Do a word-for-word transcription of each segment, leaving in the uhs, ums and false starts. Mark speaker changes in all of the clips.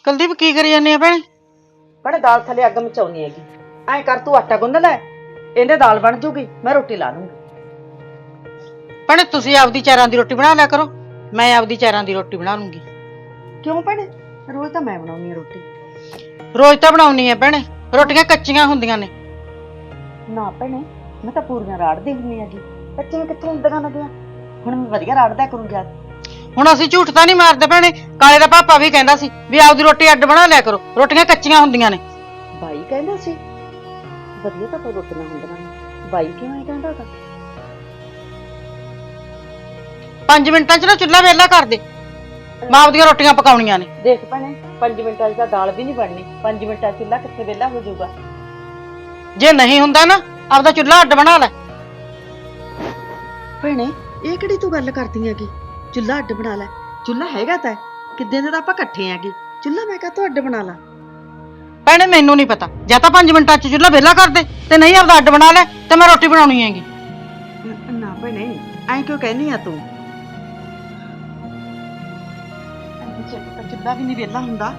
Speaker 1: ਕੁਲਦੀਪ ਕੀ ਕਰੀ ਜਾਂਦੀ ਆ ਭੈਣੇ?
Speaker 2: बड़े दाल थले अग मचाउनी हैगी। ऐ कर तू आटा गुंद लै, इहदे दाल बन जूगी, मैं रोटी ला लूंगी।
Speaker 1: भैणे तुसीं आपदी चारां दी रोटी बना लिया करो, मैं आपदी चारां दी रोटी बना लूंगी।
Speaker 2: क्यों भैणे? रोज तां मैं बनाउनी रोटी।
Speaker 1: रोज तां बनाउनी है भैणे, रोटियां कच्चियां हुंदियां ने।
Speaker 2: ना भैणे, मैं तां पूरियां राड़दी हुंदी हैगी, कच्चियां कित्थों हुंदियां ने? हुण मैं वधिया राड़दा करूंगी।
Speaker 1: ਹੁਣ ਅਸੀਂ ਝੂਠ ਤਾਂ ਨਹੀਂ ਮਾਰਦੇ ਭੈਣੇ, ਕਾਲੇ ਦਾ ਪਾਪਾ ਵੀ ਕਹਿੰਦਾ ਸੀ ਵੀ ਆਪਦੀ ਰੋਟੀ ਅੱਡ ਬਣਾ ਲਿਆ ਕਰੋ, ਰੋਟੀਆਂ ਕੱਚੀਆਂ ਹੁੰਦੀਆਂ ਨੇ।
Speaker 2: ਬਾਈ ਕਹਿੰਦਾ ਸੀ ਵਧੀਆ ਤਾਂ ਕੋਈ ਰੋਟੀਆਂ ਹੁੰਦੀਆਂ ਨੇ, ਬਾਈ ਕਿਉਂ ਐ ਕਹਿੰਦਾ ਤਾਂ?
Speaker 1: ਪੰਜ ਮਿੰਟਾਂ 'ਚ ਨਾ ਚੁੱਲ੍ਹਾ ਵਿਹਲਾ ਕਰ ਦੇ, ਮੈਂ ਆਪਦੀਆਂ ਰੋਟੀਆਂ ਪਕਾਉਣੀਆਂ ਨੇ।
Speaker 2: ਦੇਖ ਭੈਣੇ, ਪੰਜ ਮਿੰਟਾਂ 'ਚ ਤਾਂ ਦਾਲ ਵੀ ਨਹੀਂ ਬਣਨੀ, ਪੰਜ ਮਿੰਟਾਂ 'ਚ ਚੁੱਲ੍ਹਾ ਕਿੱਥੇ ਵਿਹਲਾ ਹੋ ਜਾਊਗਾ?
Speaker 1: ਜੇ ਨਹੀਂ ਹੁੰਦਾ ਨਾ ਆਪਦਾ ਚੁੱਲ੍ਹਾ ਅੱਡ ਬਣਾ ਲੈ।
Speaker 2: ਭੈਣੇ ਇਹ ਕਿਹੜੀ ਤੂੰ ਗੱਲ ਕਰਦੀ ਹੈਗੀ? ਚੁੱਲ੍ਹਾ ਅੱਡ ਬਣਾ ਲੈ, ਚੁੱਲ੍ਹਾ ਹੈਗਾ ਤਾਂ ਕਿੱਦਾਂ ਦੇ ਤਾਂ ਆਪਾਂ ਇਕੱਠੇ ਹੈਗੇ, ਚੁੱਲ੍ਹਾ ਮੈਂ ਕਾਹਤੋਂ ਅੱਡ ਬਣਾ ਲਾ?
Speaker 1: ਭੈਣੇ ਮੈਨੂੰ ਨਹੀਂ ਪਤਾ, ਜਾਂ ਤਾਂ ਪੰਜ ਮਿੰਟਾਂ 'ਚ ਚੁੱਲ੍ਹਾ ਵਿਹਲਾ ਕਰ ਦੇ ਤੇ ਨਹੀਂ ਆਪਦਾ ਅੱਡ ਬਣਾ ਲੈ ਤੇ ਮੈਂ ਰੋਟੀ ਬਣਾਉਣੀ ਹੈਗੀ।
Speaker 2: ਨਾ ਭੈਣੇ ਐਂ ਕਿਉਂ ਕਹਿੰਦੀ ਆ ਤੂੰ? ਚੁੱਲ੍ਹਾ ਵੀ ਨਹੀਂ ਵਿਹਲਾ ਹੁੰਦਾ।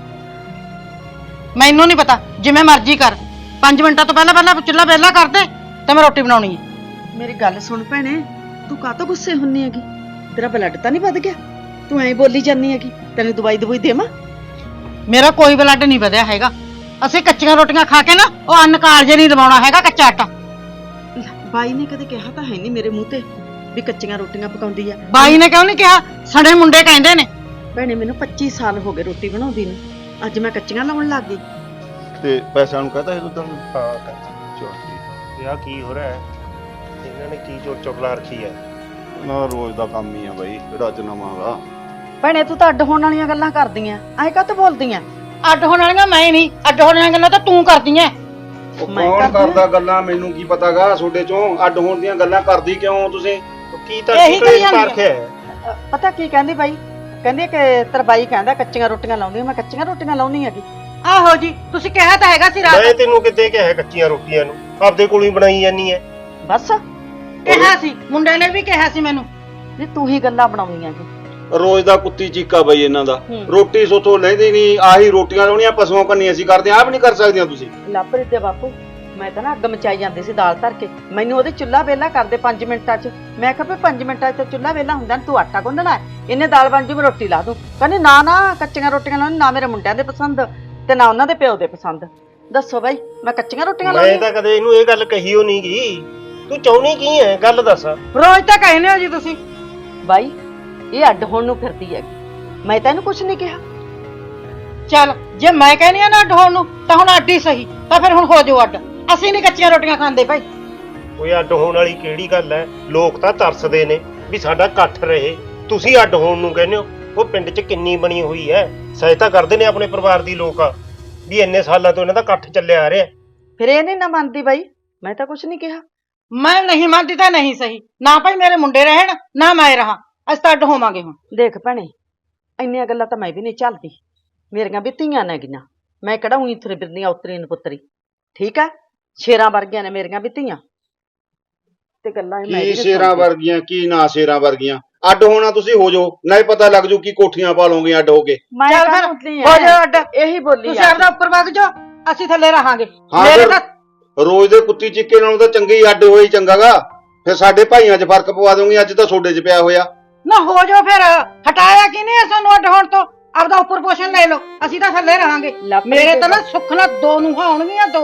Speaker 1: ਮੈਨੂੰ ਨਹੀਂ ਪਤਾ, ਜਿਵੇਂ ਮਰਜ਼ੀ ਕਰ, ਪੰਜ ਮਿੰਟਾਂ ਤੋਂ ਪਹਿਲਾਂ ਪਹਿਲਾਂ ਚੁੱਲ੍ਹਾ ਵਿਹਲਾ ਕਰ ਦੇ ਤੇ ਮੈਂ ਰੋਟੀ ਬਣਾਉਣੀ ਹੈ।
Speaker 2: ਮੇਰੀ ਗੱਲ ਸੁਣ ਭੈਣੇ, ਤੂੰ ਕਾਹਤੋਂ ਗੁੱਸੇ ਹੁੰਨੀ ਹੈਗੀ? ਤੇਰਾ ਬਲੱਡ ਤਾਂ ਨਹੀਂ ਵੱਧ ਗਿਆ? ਤੂੰ ਐਂ ਬੋਲੀ ਜਾਂਦੀ ਹੈਗੀ, ਤੈਨੂੰ ਦਵਾਈ ਦਵਾਈ ਦੇਵਾਂ?
Speaker 1: ਮੇਰਾ ਕੋਈ ਬਲੱਡ ਨਹੀਂ ਵਧਿਆ ਹੈਗਾ, ਅਸੀਂ ਕੱਚੀਆਂ ਰੋਟੀਆਂ ਖਾ ਕੇ ਨਾ ਉਹ ਅੰਨ ਕਾਲਜੇ ਨਹੀਂ ਲਵਾਉਣਾ ਹੈਗਾ ਕੱਚਾ ਆਟਾ।
Speaker 2: ਬਾਈ ਨੇ ਕਦੇ ਕਿਹਾ ਤਾਂ ਹੈ ਨਹੀਂ ਮੇਰੇ ਮੂੰਹ ਤੇ ਵੀ ਕੱਚੀਆਂ ਰੋਟੀਆਂ ਪਕਾਉਂਦੀ ਆ।
Speaker 1: ਬਾਈ ਨੇ ਕਿਉਂ ਨਹੀਂ ਕਿਹਾ, ਸੜੇ ਮੁੰਡੇ ਕਹਿੰਦੇ ਨੇ।
Speaker 2: ਭੈਣੇ ਮੈਨੂੰ ਪੱਚੀ ਸਾਲ ਹੋ ਗਏ ਰੋਟੀ ਬਣਾਉਂਦੀ ਨੂੰ, ਅੱਜ ਮੈਂ ਕੱਚੀਆਂ ਲਾਉਣ ਲੱਗ ਗਈ।
Speaker 3: ਤੇ ਪੈਸਿਆਂ ਨੂੰ ਕਹਤਾ ਸੀ ਦੁੱਧਾਂ ਨੂੰ?
Speaker 4: ਹਾਂ ਕਰ
Speaker 3: ਚਲ ਠੀਕ।
Speaker 4: ਇਹ ਆ ਕੀ ਹੋ ਰਿਹਾ ਹੈ? ਇਹਨਾਂ ਨੇ ਕੀ ਚੋਰ ਚੁਗਲਾ ਰੱਖੀ ਹੈ?
Speaker 3: ਨਾ ਰੋਜ਼ ਦਾ ਕੰਮ ਹੀ ਆ ਬਾਈ, ਕਿਹੜਾ ਅੱਜ ਨਵਾਂ ਗਾ।
Speaker 2: ਭੈਣੇ ਤੂੰ ਤਾਂ ਅੱਡ ਹੋਣ ਵਾਲੀਆਂ ਗੱਲਾਂ ਕਰਦੀਆਂ, ਐਂ ਕਾਹਤੋਂ ਬੋਲਦੀਆਂ?
Speaker 1: ਅੱਡ ਹੋਣ ਵਾਲੀਆਂ ਮੈਂ ਨਹੀਂ, ਅੱਡ ਹੋਣ ਵਾਲੀਆਂ ਗੱਲਾਂ ਤਾਂ ਤੂੰ ਕਰਦੀ ਐ।
Speaker 3: ਉਹ ਕੌਣ ਕਰਦਾ ਗੱਲਾਂ, ਮੈਨੂੰ ਕੀ ਪਤਾਗਾ ਤੁਹਾਡੇ ਚੋਂ ਅੱਡ ਹੋਣ ਦੀਆਂ ਗੱਲਾਂ ਕਰਦੀ ਕਿਉਂ ਤੁਸੀਂ?
Speaker 4: ਕੀ ਤਾਂ
Speaker 1: ਇਹੀ ਕਹੀ ਜਾਂਦੀ
Speaker 4: ਰੱਖਿਆ ਹੈ?
Speaker 2: ਪਤਾ ਕੀ ਕਹਿੰਦੀ ਬਾਈ? ਕਹਿੰਦੀ ਕਿ ਤੇਰਾ ਬਾਈ ਕਹਿੰਦਾ ਕੱਚੀਆਂ ਰੋਟੀਆਂ ਲਾਉਂਦੀ, ਮੈਂ ਕੱਚੀਆਂ ਰੋਟੀਆਂ ਲਾਉਣੀ ਹੈਗੀ।
Speaker 1: ਆਹੋ ਜੀ, ਤੁਸੀਂ ਕਿਹਾ ਤਾਂ ਹੈਗਾ ਸੀ
Speaker 4: ਮੈਂ
Speaker 1: ਰਾਤ।
Speaker 4: ਤੈਨੂੰ ਕਿਤੇ ਕਿਹਾ ਕੱਚੀਆਂ ਰੋਟੀਆਂ ਨੂੰ? ਆਪਦੇ ਕੋਲੋਂ ਹੀ ਬਣਾਈ ਜਾਨੀ ਹੈ।
Speaker 2: ਬਸ
Speaker 1: ਕਿਹਾ ਸੀ, ਮੁੰਡੇ ਨੇ ਵੀ ਕਿਹਾ ਸੀ ਮੈਨੂੰ।
Speaker 2: ਨਹੀਂ ਤੂੰ ਹੀ ਗੱਲਾਂ ਬਣਾਉਣੀਆਂ ਕਿ
Speaker 3: ਰੋਜ਼ ਦਾ ਕੁੱਤੀ ਚੀਕਾ ਬਈ ਇਹਨਾਂ ਦਾ।
Speaker 2: ਹੂੰ।
Speaker 3: ਰੋਟੀ ਸੋਥੋਂ ਲੈਂਦੀ ਨਹੀਂ, ਆਹੀ ਰੋਟੀਆਂ ਲਾਉਣੀਆਂ ਪਸ਼ੂਆਂ ਕੰਨੀ ਅਸੀਂ ਕਰਦੇ, ਆਪ ਨਹੀਂ ਕਰ ਸਕਦੀਆਂ ਤੁਸੀਂ?
Speaker 2: ਲਾਪਰੀ ਦੇ ਬਾਪੂ, ਮੈਂ ਤਾਂ ਨਾ ਅੱਗ ਮਚਾਈ ਜਾਂਦੀ ਸੀ ਦਾਲ ਧਰ ਕੇ, ਮੈਨੂੰ ਉਹਦੇ ਚੁੱਲ੍ਹਾ ਵੇਲਾ ਕਰਦੇ ਪੰਜ ਮਿੰਟਾਂ 'ਚ। ਮੈਂ ਕਿਹਾ ਵੀ ਪੰਜ ਮਿੰਟਾਂ 'ਚ ਤਾਂ ਚੁੱਲ੍ਹਾ ਵੇਲਾ ਹੁੰਦਾ, ਤੂੰ ਆਟਾ ਗੁੰਨਣਾ, ਇਹਨੇ ਦਾਲ ਬਣ ਜੂ, ਮੈਂ ਰੋਟੀ ਲਾ ਦੂੰ। ਕਹਿੰਦੀ ਨਾ ਨਾ, ਕੱਚੀਆਂ ਰੋਟੀਆਂ ਲਾਉਣੀ ਨਾ ਮੇਰੇ ਮੁੰਡਿਆਂ ਦੇ ਪਸੰਦ ਤੇ ਨਾ ਉਹਨਾਂ ਦੇ ਪਿਓ ਦੇ ਪਸੰਦ। ਦੱਸੋ ਬਾਈ, ਮੈਂ ਕੱਚੀਆਂ ਰੋਟੀਆਂ
Speaker 4: ਮੈਂ
Speaker 2: ਲਾਉਣੀ?
Speaker 4: ਤਾਂ ਕਦੇ ਇਹਨੂੰ ਇਹ ਗੱਲ ਕਹੀ ਹੋ ਨਹੀਂ ਗਈ। ਤੂੰ ਚਾਹੁੰਦੀ ਕੀ ਹੈ, ਗੱਲ ਦੱਸ।
Speaker 1: ਰੋਜ਼ ਤਾਂ ਕਹਿੰਦੇ ਹੋ ਜੀ ਤੁਸੀਂ।
Speaker 2: ਬਾਈ ਇਹ ਅੱਡ ਹੋਣ ਨੂੰ ਫਿਰਦੀ ਹੈਗੀ, ਮੈਂ ਤਾਂ ਇਹਨੂੰ ਕੁਛ ਨਹੀਂ ਕਿਹਾ।
Speaker 1: ਚੱਲ ਜੇ ਮੈਂ ਕਹਿੰਦੀ ਆ ਨਾ ਅੱਡ ਹੋਣ ਨੂੰ, ਤਾਂ ਹੁਣ ਅੱਡ ਹੀ ਸਹੀ, ਤਾਂ ਫਿਰ ਹੁਣ ਹੋ ਜਾਓ ਅੱਡ। ਅਸੀਂ ਨਹੀਂ ਕੱਚੀਆਂ ਰੋਟੀਆਂ ਖਾਂਦੇ ਭਾਈ।
Speaker 4: ਕੋਈ ਅੱਡ ਹੋਣ ਵਾਲੀ ਕਿਹੜੀ ਗੱਲ ਹੈ? ਲੋਕ ਤਾਂ ਤਰਸਦੇ ਨੇ ਵੀ ਸਾਡਾ ਇਕੱਠ ਰਹੇ, ਤੁਸੀਂ ਅੱਡ ਹੋਣ ਨੂੰ ਕਹਿੰਦੇ ਹੋ। ਉਹ ਪਿੰਡ 'ਚ ਕਿੰਨੀ ਬਣੀ ਹੋਈ ਹੈ, ਸਹਾਇਤਾ ਕਰਦੇ ਨੇ ਆਪਣੇ ਪਰਿਵਾਰ ਦੀ ਲੋਕ, ਵੀ ਇੰਨੇ ਸਾਲਾਂ ਤੋਂ ਇਹਨਾਂ ਦਾ ਇਕੱਠ ਚੱਲਿਆ ਆ ਰਿਹਾ।
Speaker 2: ਫਿਰ ਇਹ ਨਹੀਂ ਨਾ ਮੰਨਦੀ ਬਾਈ, ਮੈਂ ਤਾਂ ਕੁਛ ਨਹੀਂ ਕਿਹਾ।
Speaker 1: ਮੈਂ ਨਹੀਂ ਮੰਨਦੀ ਤਾਂ ਨਹੀਂ ਸਹੀ, ਨਾ ਭਾਈ ਮੇਰੇ ਮੁੰਡੇ ਰਹਿਣ ਨਾ ਮੈਂ ਰਹਾ, ਅਸੀਂ ਤਾਂ ਅੱਡ ਹੋਵਾਂਗੇ ਹੁਣ।
Speaker 2: ਦੇਖ ਭੈਣੇ, ਇੰਨੀਆਂ ਗੱਲਾਂ ਤਾਂ ਮੈਂ ਵੀ ਨਹੀਂ ਝੱਲਦੀ, ਮੇਰੀਆਂ ਵੀ ਧੀਆਂ ਨੇ ਗੀਆਂ, ਮੈਂ ਕਿਹੜਾ ਉਹੀ ਤੁਰੇ ਫਿਰਦੀ ਆ ਉਤਰੀ ਨੂੰ ਪੁੱਤਰੀ, ਠੀਕ ਆ? ਸ਼ੇਰਾਂ ਵਰਗੀਆਂ ਨੇ ਮੇਰੀਆਂ ਵੀ ਧੀਆਂ, ਤੇ ਗੱਲਾਂ ਇਹ ਮੈਂ
Speaker 3: ਕੀ
Speaker 2: ਵੀ
Speaker 3: ਸ਼ੇਰਾਂ ਵਰਗੀਆਂ, ਕੀ ਨਾ ਸ਼ੇਰਾਂ ਵਰਗੀਆਂ? ਅੱਡ ਹੋਣਾ ਤੁਸੀਂ ਹੋ ਜਾਓ, ਨਹੀਂ ਪਤਾ ਲੱਗ ਜੂ ਕੀ ਕੋਠੀਆਂ ਪਾ ਲਓਗੇ ਅੱਡ ਹੋ ਕੇ।
Speaker 2: ਮੈਂ
Speaker 1: ਚੱਲ
Speaker 2: ਤਾਂ
Speaker 1: ਫਿਰ
Speaker 2: ਉਤਲੀ
Speaker 1: ਹੋ ਜਾਓ ਅੱਡ,
Speaker 2: ਇਹੀ ਬੋਲੀ
Speaker 1: ਤੁਸੀਂ ਆਪਦਾ ਉੱਪਰ ਵਗ ਜਾਓ, ਅਸੀਂ ਥੱਲੇ ਰਹਾਂਗੇ।
Speaker 3: ਹਾਂ
Speaker 1: ਮੇਰੇ
Speaker 3: ਫਿਰ
Speaker 1: ਤਾਂ
Speaker 3: ਰੋਜ਼ ਦੇ ਕੁੱਤੀ ਚੀਕੇ ਨਾਲੋਂ ਤਾਂ ਚੰਗੇ ਹੀ ਅੱਡ ਹੋਏ ਚੰਗਾਗਾ। ਫਿਰ ਸਾਡੇ ਭਾਈਆਂ 'ਚ ਫਰਕ ਪਵਾ ਦੋਗੇ, ਅੱਜ ਤਾਂ ਤੁਹਾਡੇ 'ਚ ਪਿਆ ਹੋਇਆ।
Speaker 1: ਨਾ ਹੋ ਜਾਓ ਫਿਰ, ਹਟਾਇਆ ਕਿ ਨਹੀਂ ਸਾਨੂੰ ਅੱਡ ਹੋਣ ਤੋਂ? ਆਪਦਾ ਉੱਪਰ ਪੋਸ਼ਨ ਲੈ ਲਓ, ਅਸੀਂ ਤਾਂ ਥੱਲੇ ਰਹਾਂਗੇ। ਮੇਰੇ ਤਾਂ ਨਾ ਸੁੱਖ ਨਾਲ ਦੋ ਨੂੰਹਾਂ ਆਉਣਗੀਆਂ, ਦੋ।